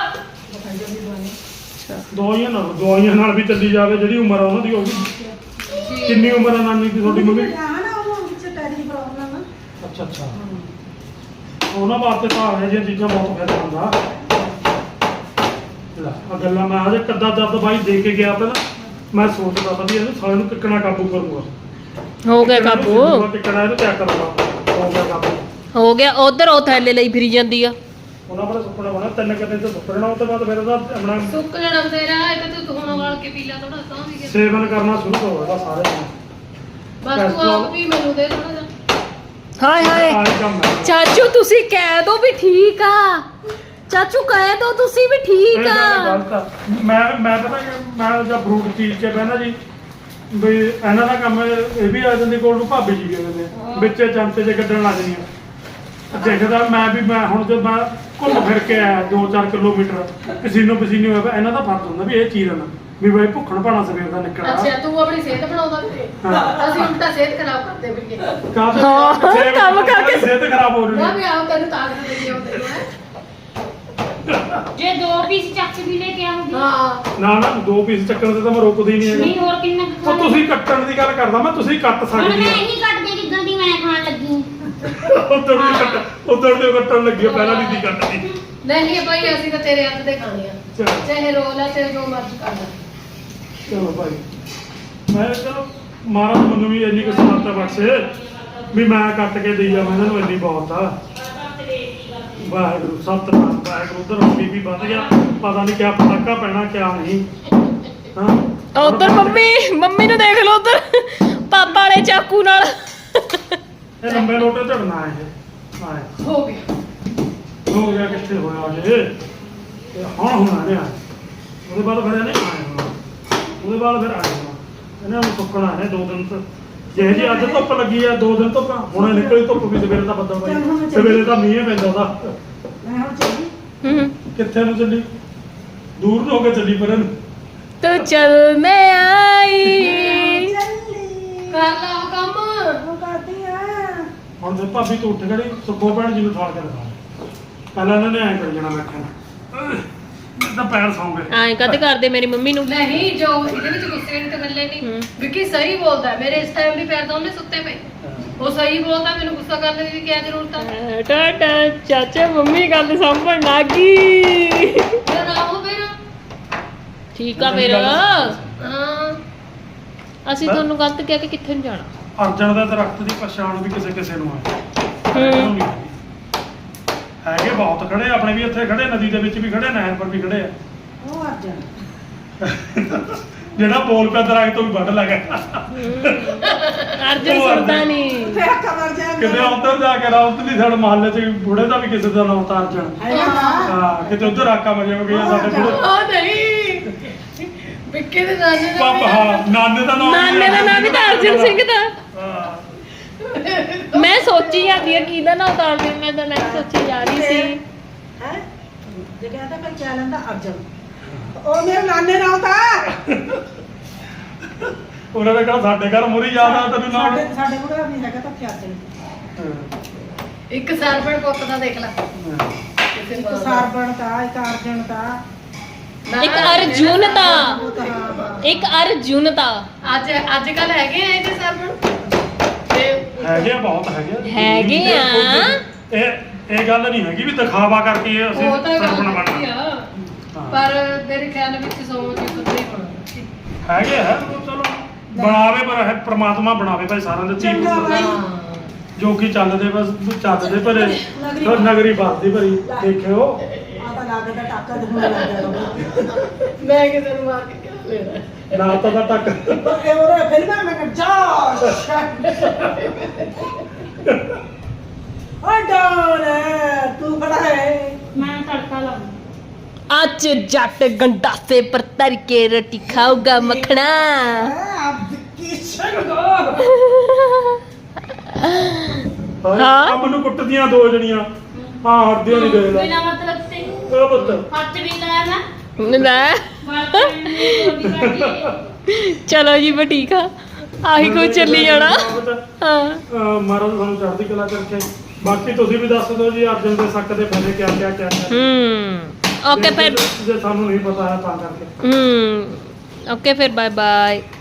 Speaker 1: ਦਵਾਈਆਂ ਨਾਲ ਵੀ ਚੱਲੀ ਜਾਵੇ ਜਿਹੜੀ ਉਮਰ ਆ ਉਹਨਾਂ ਦੀ ਹੋਊਗੀ ਕਿੰਨੀ ਉਮਰ ਆ ਨਾਨੀ ਦੀ ਤੁਹਾਡੀ ਮੰਮੀ
Speaker 2: ਹਾਂ ਨਾ ਉਹ ਵਿੱਚ ਟੈਰੀ ਪ੍ਰੋਬਲਮ ਆ
Speaker 1: ਅੱਛਾ ਅੱਛਾ ਉਹਨਾਂ ਵਾਸਤੇ ਤਾਂ ਇਹ ਜਿਹੀਆਂ ਚੀਜ਼ਾਂ ਬਹੁਤ ਫਾਇਦਾ ਹੁੰਦਾ ਲੈ ਆ ਗੱਲਾਂ ਮੈਂ ਅਜੇ ਕੱਦਾ ਦਰਦ ਬਾਈ ਦੇ ਕੇ ਗਿਆ ਤਾਂ ਨਾ ਮੈਂ ਸੋਚਦਾ ਤਾਂ ਵੀ ਇਹਨੂੰ ਸਾਲੇ ਨੂੰ ਕਿੱਕਣਾ ਕਾਬੂ ਕਰੂਗਾ
Speaker 5: ਹੋ ਗਿਆ ਕਾਬੂ
Speaker 1: ਕਿੱਕਣਾ ਇਹਨੂੰ ਕਿਆ ਕਰੂਗਾ ਹੋ ਗਿਆ ਕਾਬੂ
Speaker 5: ਹੋ ਗਿਆ ਉਧਰ ਉਹ ਥੈਲੇ ਲਈ ਫਿਰੀ ਜਾਂਦੀ ਆ
Speaker 1: ਉਹਨਾਂ ਬੜਾ ਸੁੱਕਣਾ ਬਣਾ ਤਿੰਨ ਕਦੇ ਤੇ ਸੁੱਕਣਾ ਉਹ ਤੋਂ ਬਾਅਦ ਫਿਰ ਉਹਦਾ ਆਪਣਾ
Speaker 4: ਸੁੱਕ ਜਣਾ ਤੇਰਾ ਇਹ ਤਾਂ ਤੂੰ ਹੁਣ ਵਾਲ ਕੇ ਪੀ ਲਾ ਥੋੜਾ ਤਾਂ ਵੀ ਗਿਆ
Speaker 1: ਸੇਵਨ ਕਰਨਾ ਸ਼ੁਰੂ ਕਰੋ ਇਹਦਾ ਸਾਰੇ ਨੂੰ
Speaker 4: ਬਸ ਤੂੰ ਆਪ ਵੀ ਮੈਨੂੰ ਦੇ ਥੋੜਾ ਜਿਹਾ
Speaker 5: ਹਾਏ ਹਾਏ
Speaker 1: ਆਹ ਕੰਮ ਹੈ
Speaker 5: ਚਾਚੂ ਤੁਸੀਂ ਕਹਿ ਦੋ ਵੀ ਠੀਕ ਆ ਚਾਚੂ ਕਹਿ ਦੋ ਤੁਸੀਂ ਵੀ
Speaker 1: ਇਹ
Speaker 5: ਠੀਕ
Speaker 1: ਗੱਲ
Speaker 5: ਆ
Speaker 1: ਗਲਤ ਆ ਮੈਂ ਪਤਾ ਕਿ ਮੈਂ ਜਦ ਫਰੂਟ ਚੀਜ਼ ਕੇ ਬਹਿਣਾ ਜੀ ਵੀ ਇਹਨਾਂ ਦਾ ਕੰਮ ਇਹ ਵੀ ਆ ਜਾਂਦੀ ਕੋਲ ਨੂੰ ਭਾਬੀ ਜੀ ਕਹਿੰਦੇ ਨੇ ਵਿੱਚੇ ਚਮਚੇ ਜੇ ਕੱਢਣ ਲੱਗ ਜਾਂਦੀਆਂ ਦੇਖਦਾ ਮੈਂ ਹੁਣ ਜਦ ਮੈਂ ਘੁੰਮ ਫਿਰ ਕੇ ਆਇਆ 2-4 ਕਿਲੋਮੀਟਰ ਪਸੀਨੋ ਪਸੀਨੀ ਹੋਇਆ ਪਿਆ, ਇਹਨਾਂ ਦਾ ਫਰਕ ਹੁੰਦਾ ਵੀ ਇਹ ਚੀਰਨ ਵੀ ਬਈ ਭੁੱਖਣ ਭਾਣਾ ਸਵੇਰ ਦਾ ਨਿਕਲਣਾ
Speaker 4: ਅੱਛਾ ਤੂੰ ਆਪਣੀ ਸਿਹਤ ਬਣਾਉਂਦਾ ਵੀ ਅਸੀਂ ਉਲਟਾ ਸਿਹਤ ਖਰਾਬ ਕਰਦੇ ਵੀ
Speaker 1: ਕਾਹਦੇ
Speaker 5: ਕੰਮ ਕਰਕੇ
Speaker 1: ਸਿਹਤ ਖਰਾਬ ਹੋ ਰਹੀ
Speaker 4: ਨਾ
Speaker 1: ਹੈ
Speaker 4: ਵੀ ਆਪ ਤੈਨੂੰ ਤਾਕਤ ਦੇ ਦਿਓ ਤੈਨੂੰ ਹੈ
Speaker 3: ਜੇ 2 ਪੀਸ ਚੱਕ ਵੀ ਲੈ ਕੇ ਆਉਂਗੀ
Speaker 4: ਹਾਂ
Speaker 1: ਨਾ 2 ਪੀਸ ਚੱਕਣ ਤੇ ਤਾਂ ਮੈਂ ਰੁਕਦਾ ਹੀ ਨਹੀਂ
Speaker 3: ਨਹੀਂ
Speaker 1: ਹੈਗਾ
Speaker 3: ਹੋਰ ਕਿੰਨਾ ਕੁ
Speaker 1: ਉਹ
Speaker 3: ਖਾਣਾ?
Speaker 1: ਤੁਸੀਂ ਕੱਟਣ ਦੀ ਗੱਲ ਕਰਦਾ ਮੈਂ ਤੁਸੀਂ ਕੱਟ
Speaker 3: ਹੁਣ
Speaker 1: ਸਕਦੇ
Speaker 3: ਮੈਂ
Speaker 1: ਹੋ
Speaker 3: ਇਹੀ ਕੱਟਦੀ ਜਿੱਦਾਂ ਦੀ ਮੈਂ ਖਾਣ ਲੱਗੀ
Speaker 1: ਉਧਰ ਦੇ ਕੱਟਣ ਲੱਗੀ ਆ, ਪਹਿਲਾਂ ਨਹੀਂ ਦੀ ਕੱਟਦੀ
Speaker 4: ਨਹੀਂ ਭਾਈ ਅਸੀਂ ਤਾਂ ਤੇਰੇ ਹੱਥ ਦੇ ਖਾਣੇ ਆ
Speaker 1: ਚਲੋ
Speaker 4: ਚਾਹੇ ਰੋਲ ਆ ਚਾਹੇ ਜੋ ਮਰਜ਼ੀ ਕਰ ਲੈ
Speaker 1: ਚਲੋ ਭਾਈ ਮੈਂ ਚਲੋ ਮਹਾਰਾਜ ਮੈਨੂੰ ਵੀ ਇੰਨੀ ਕੁ ਸਮਰੱਥਾ ਬਖਸ਼ੇ ਵੀ ਮੈਂ ਕੱਟ ਕੇ ਦੇਈ ਜਾਵਾਂ ਇਹਨਾਂ ਨੂੰ ਇੰਨੀ ਬਹੁਤ ਆ ਵਾਹਿਗੁਰੂ ਸਤਨਾਮ ਵਾਹਿਗੁਰੂ ਉਧਰ ਬੀਬੀ ਵੱਧ ਗਿਆ ਪਤਾ ਨਹੀਂ ਕਿਆ ਪਟਾਕਾ ਪੈਣਾ ਕਿਆ ਨਹੀਂ ਹਾਂ
Speaker 5: ਉਧਰ ਮੰਮੀ ਨੂੰ ਦੇਖ ਲਓ ਉਧਰ ਪਾਪਾ ਵਾਲੇ ਚਾਕੂ ਨਾਲ
Speaker 1: ਇਹ ਲੰਬੇ ਲੋਟੇ ਝੜਨਾ ਇਹ ਆਏ
Speaker 4: ਹੋ ਗਿਆ
Speaker 1: ਹੋ ਗਿਆ ਕਿੱਥੇ ਹੋਇਆ ਜੇ ਤੇ ਹੁਣ ਹੋਣਾ ਨੇ ਉਹਦੇ ਬਾਅਦ ਫਿਰ ਇਹਨੇ ਆਏ ਹੋਣਾ ਉਹਦੇ ਬਾਅਦ ਫਿਰ ਆਏ ਹੋਣਾ ਇਹਨਾਂ ਨੂੰ ਸੁੱਕਣਾ ਹੈ 2 ਦਿਨ ਤੋਂ ਜੇ ਜੀ ਅੱਜ ਧੁੱਪ ਲੱਗੀ ਆ 2 ਦਿਨ ਧੁੱਪ ਹੁਣੇ ਨਿਕਲੀ ਧੁੱਪ ਵੀ ਸਵੇਰੇ ਦਾ ਬੱਦਲ ਬਾਈ ਸਵੇਰੇ ਦਾ ਮੀਂਹ ਪੈਂਦਾ ਉਹਦਾ
Speaker 2: ਮੈਂ ਹੁਣ ਚੱਲੀ
Speaker 5: ਹੂੰ
Speaker 1: ਕਿੱਥੇ ਨੂੰ ਚੱਲੀ ਦੂਰ ਨੂੰ ਹੋ ਕੇ ਚੱਲੀ ਪਰ
Speaker 5: ਤੂੰ ਚੱਲ ਮੈਂ ਆਈ
Speaker 2: ਚੱਲੀ
Speaker 4: ਕਰ ਲਾ ਉਹ ਕੰਮ
Speaker 2: ਉਹ ਕਰਦੀ ਆ
Speaker 1: ਹੁਣ ਤੇ ਭਾਬੀ ਤੋਂ ਉੱਠ ਗੜੀ ਸੁੱਖੋ ਭੈਣ ਜੀ ਨੂੰ ਠਾਲ ਕੇ ਦਿਖਾ ਪਹਿਲਾਂ ਇਹਨਾਂ ਨੇ ਐਂ ਕਰ ਜਾਣਾ ਬੈਠਣ ਤਾਂ ਪੈਰ ਸੌਂ ਗਏ
Speaker 5: ਐਂ ਕਦ ਕਰਦੇ ਮੇਰੀ ਮੰਮੀ ਨੂੰ
Speaker 4: ਨਹੀਂ ਜੋ ਇਹਦੇ ਵਿੱਚ ਗੁੱਸੇ ਨਹੀਂ ਤੇ ਗੱਲੇ ਨਹੀਂ ਵਿੱਕੀ ਸਹੀ ਬੋਲਦਾ ਮੇਰੇ ਇਸ ਟਾਈਮ ਵੀ ਪੈਰ ਦੋਨੇ ਸੁੱਤੇ ਪਏ ਉਹ ਸਹੀ ਬੋਲਦਾ ਮੈਨੂੰ ਗੁੱਸਾ ਕਰਨ ਦੀ ਵੀ ਕੀ ਜ਼ਰੂਰਤ ਆ
Speaker 5: ਟਾਟਾ ਚਾਚਾ ਮੰਮੀ ਗੱਲ ਸੰਭਣ ਲੱਗੀ
Speaker 4: ਫਿਰ ਆਓ ਫਿਰ
Speaker 5: ਠੀਕ ਆ ਫਿਰ
Speaker 4: ਹਾਂ
Speaker 5: ਅਸੀਂ ਤੁਹਾਨੂੰ ਗਲਤ ਕਹਿ ਕੇ ਕਿੱਥੇ ਨੂੰ ਜਾਣਾ
Speaker 1: ਅਰਜਨ ਦਾ ਦਰਖਤ ਦੀ ਪਛਾਣ ਵੀ ਕਿਸੇ ਕਿਸੇ ਨੂੰ ਆ ਹੈਗੇ ਬਹੁਤ ਖੜੇ ਆਪਣੇ ਵੀ ਇੱਥੇ ਖੜੇ ਨਦੀ ਦੇ ਵਿੱਚ ਵੀ ਖੜੇ ਨਹਿਰ ਪਰ ਵੀ ਖੜੇ ਆ
Speaker 2: ਉਹ ਆ ਜਾ
Speaker 1: ਜਿਹੜਾ ਬੋਲ ਪਿਆ ਦਰਖਤ ਤੋਂ ਵੀ ਵੱਢ ਲੱਗਾ
Speaker 5: ਅਰਜਨ ਸੁਣਦਾ ਨਹੀਂ
Speaker 2: ਫੇਰ ਕਮਰ ਜਾ
Speaker 1: ਕਿਤੇ ਉੱਧਰ ਜਾ ਕੇ ਰਾਉਤ ਦੀ ਸਾਡੇ ਮਹੱਲੇ 'ਚ ਬੁੜੇ ਦਾ ਵੀ ਕਿਸੇ ਦਾ ਨਾਮ ਤਾਂ ਅਰਜਨ ਹਾਂ ਕਿਤੇ ਉੱਧਰ ਆਕਾ ਮਜੇ ਹੋ ਗਿਆ ਸਾਡੇ ਬੁੜੇ
Speaker 4: ਉਹ ਨਹੀਂ ਵਿੱਕੀ ਦੇ ਨਾਨੇ ਦਾ
Speaker 1: ਪਾਪਾ ਹਾਂ ਨਾਨੇ ਦਾ ਨਾਮ
Speaker 5: ਨਾਨੇ ਦਾ ਨਾਮ ਵੀ ਤਾਂ ਅਰਜਨ ਸਿੰਘ ਦਾ
Speaker 1: ਹਾਂ
Speaker 5: ਮੈਂ ਸੋਚੀ ਜਾਂਦੀ ਆ ਕਿਹਦਾ ਨਾਮ ਉਤਾਰ ਦਿਆਂ ਮੈਂ ਤਾਂ ਨਹੀਂ ਸੋਚੀ ਜਾ ਰਹੀ ਸੀ
Speaker 2: ਹੈ ਜੇ ਕਹਿੰਦਾ ਫਿਰ ਕਿਆ ਲੈਂਦਾ ਅਰਜਨ ਉਹ ਮੇਰੇ ਨਾਨੇ ਨਾਲ ਤਾਂ
Speaker 1: ਉਹਨਾਂ ਨੇ ਕਿਹਾ ਸਾਡੇ ਘਰ ਮੁਰੀ ਯਾਦ ਆ ਤੈਨੂੰ ਨਾਮ
Speaker 2: ਸਾਡੇ ਕੋਲ ਨਹੀਂ ਹੈਗਾ ਤਾਂ ਅਰਜਨ
Speaker 4: ਇੱਕ ਸਰਪਣ ਪੁੱਤ ਦਾ ਦੇਖ ਲੈ
Speaker 2: ਇੱਕ ਸਾਰਬਣ ਦਾ ਇੱਕ ਅਰਜਨ ਦਾ
Speaker 5: ਇੱਕ ਅਰਜੁਨਤਾ
Speaker 2: ਉਹ ਤਾਂ ਹਾਂ ਬਸ।
Speaker 5: ਇੱਕ ਅਰਜੁਨਤਾ
Speaker 4: ਅੱਜ ਕੱਲ ਹੈਗੇ ਆ ਇਹਦੇ ਸਰਪਣ ਤੇ
Speaker 1: ਹੈਗੇ ਆ, ਬਹੁਤ ਹੈਗੇ
Speaker 5: ਹੈਗੇ ਆ।
Speaker 1: ਇਹ ਗੱਲ ਨਹੀਂ ਹੈਗੀ ਵੀ ਦਿਖਾਵਾ ਕਰਕੇ ਅਸੀਂ
Speaker 4: ਉਹ ਤਾਂ
Speaker 1: ਸਰਪਣ
Speaker 4: ਗੱਲ
Speaker 1: ਬਣਨਾ।
Speaker 4: ਆ
Speaker 1: ਹਾਂ।
Speaker 4: ਪਰ ਮੇਰੇ ਖਿਆਲ ਵਿੱਚ ਸੋਚ ਪਤਾ ਹੀ ਹੋਣਾ
Speaker 1: ਹੈਗੇ ਆ ਉਹ ਚਲੋ ਬਣਾਵੇ, ਪਰ ਇਹ ਪ੍ਰਮਾਤਮਾ ਬਣਾਵੇ ਭਾਈ ਸਾਰਿਆਂ ਦੇ ਧੀ
Speaker 2: ਚੰਗਾ
Speaker 1: ਪੁੱਤ।
Speaker 2: ਬਾਈ।
Speaker 1: ਜੋ ਕਿ ਚੱਲਦੇ ਬਸ ਚੱਲਦੇ ਭਰੇ
Speaker 2: ਨਗਰੀ
Speaker 1: ਨਗਰੀ ਵਸਦੀ ਭਰੀ ਦੇਖਿਓ।
Speaker 2: ਆ ਤਾਂ ਲੱਗਦਾ ਟਾਕਾ ਦੇ ਹੋਣ ਲੱਗ ਗਿਆ
Speaker 4: ਮੈਂ ਕਿਸੇ ਨੂੰ ਮਾਰ ਕੇ ਕਿਹਾ ਲੈਣਾ
Speaker 1: ਨਾ ਤਾਂ ਟੱਕ
Speaker 2: ਇਹ ਉਹਦੇ ਫਿਲਮਾਂ ਮੈਂ ਕਰ ਜਾ ਓ ਡਾਉਨ ਤੂੰ ਖੜਾ ਹੈ
Speaker 3: ਮੈਂ ਤੜਕਾ ਲਾਉਂਦਾ
Speaker 5: ਅੱਜ ਜੱਟ ਗੰਡਾਸੇ ਪਰ ਤਰ ਕੇ ਰੋਟੀ ਖਾਊਗਾ ਮੱਖਣਾ
Speaker 2: ਆਪ ਕੀ ਸੰਗੋ
Speaker 5: ਹਾਂ।
Speaker 1: ਕੰਮ ਨੂੰ ਕੁੱਟਦੀਆਂ ਦੋ ਜਣੀਆਂ। ਹਾਂ ਹਰਦੀਆਂ ਨਹੀਂ ਗਏ
Speaker 3: ਬਿਨਾ ਮਤਲਬ ਤੇ
Speaker 1: ਉਹ ਪੁੱਤ
Speaker 3: ਹੱਥ ਵੀ ਲਾਇਆ ਮੈਂ
Speaker 5: ਲੈ ਚਲੋ ਜੀ ਬਾ ਠੀਕ ਆ ਆਹੀ ਕੁਝ ਚੱਲੀ ਜਾਣਾ ਹਾਂ
Speaker 1: ਮਹਾਰਾਜ ਤੁਹਾਨੂੰ ਚੜ੍ਹਦੀ ਕਲਾ ਕਰਕੇ। ਬਾਕੀ ਤੁਸੀਂ ਵੀ ਦੱਸ ਦਿਓ ਜੀ ਅਰਜਨ ਦੇ ਸੱਕ ਦੇ ਫਾਇਦੇ ਕਿਆ
Speaker 5: ਓਕੇ ਫਿਰ
Speaker 1: ਜੇ ਸਾਨੂੰ ਨਹੀਂ ਪਤਾ ਹੈ ਤਾਂ ਕਰਕੇ।
Speaker 5: ਓਕੇ ਫਿਰ ਬਾਏ ਬਾਏ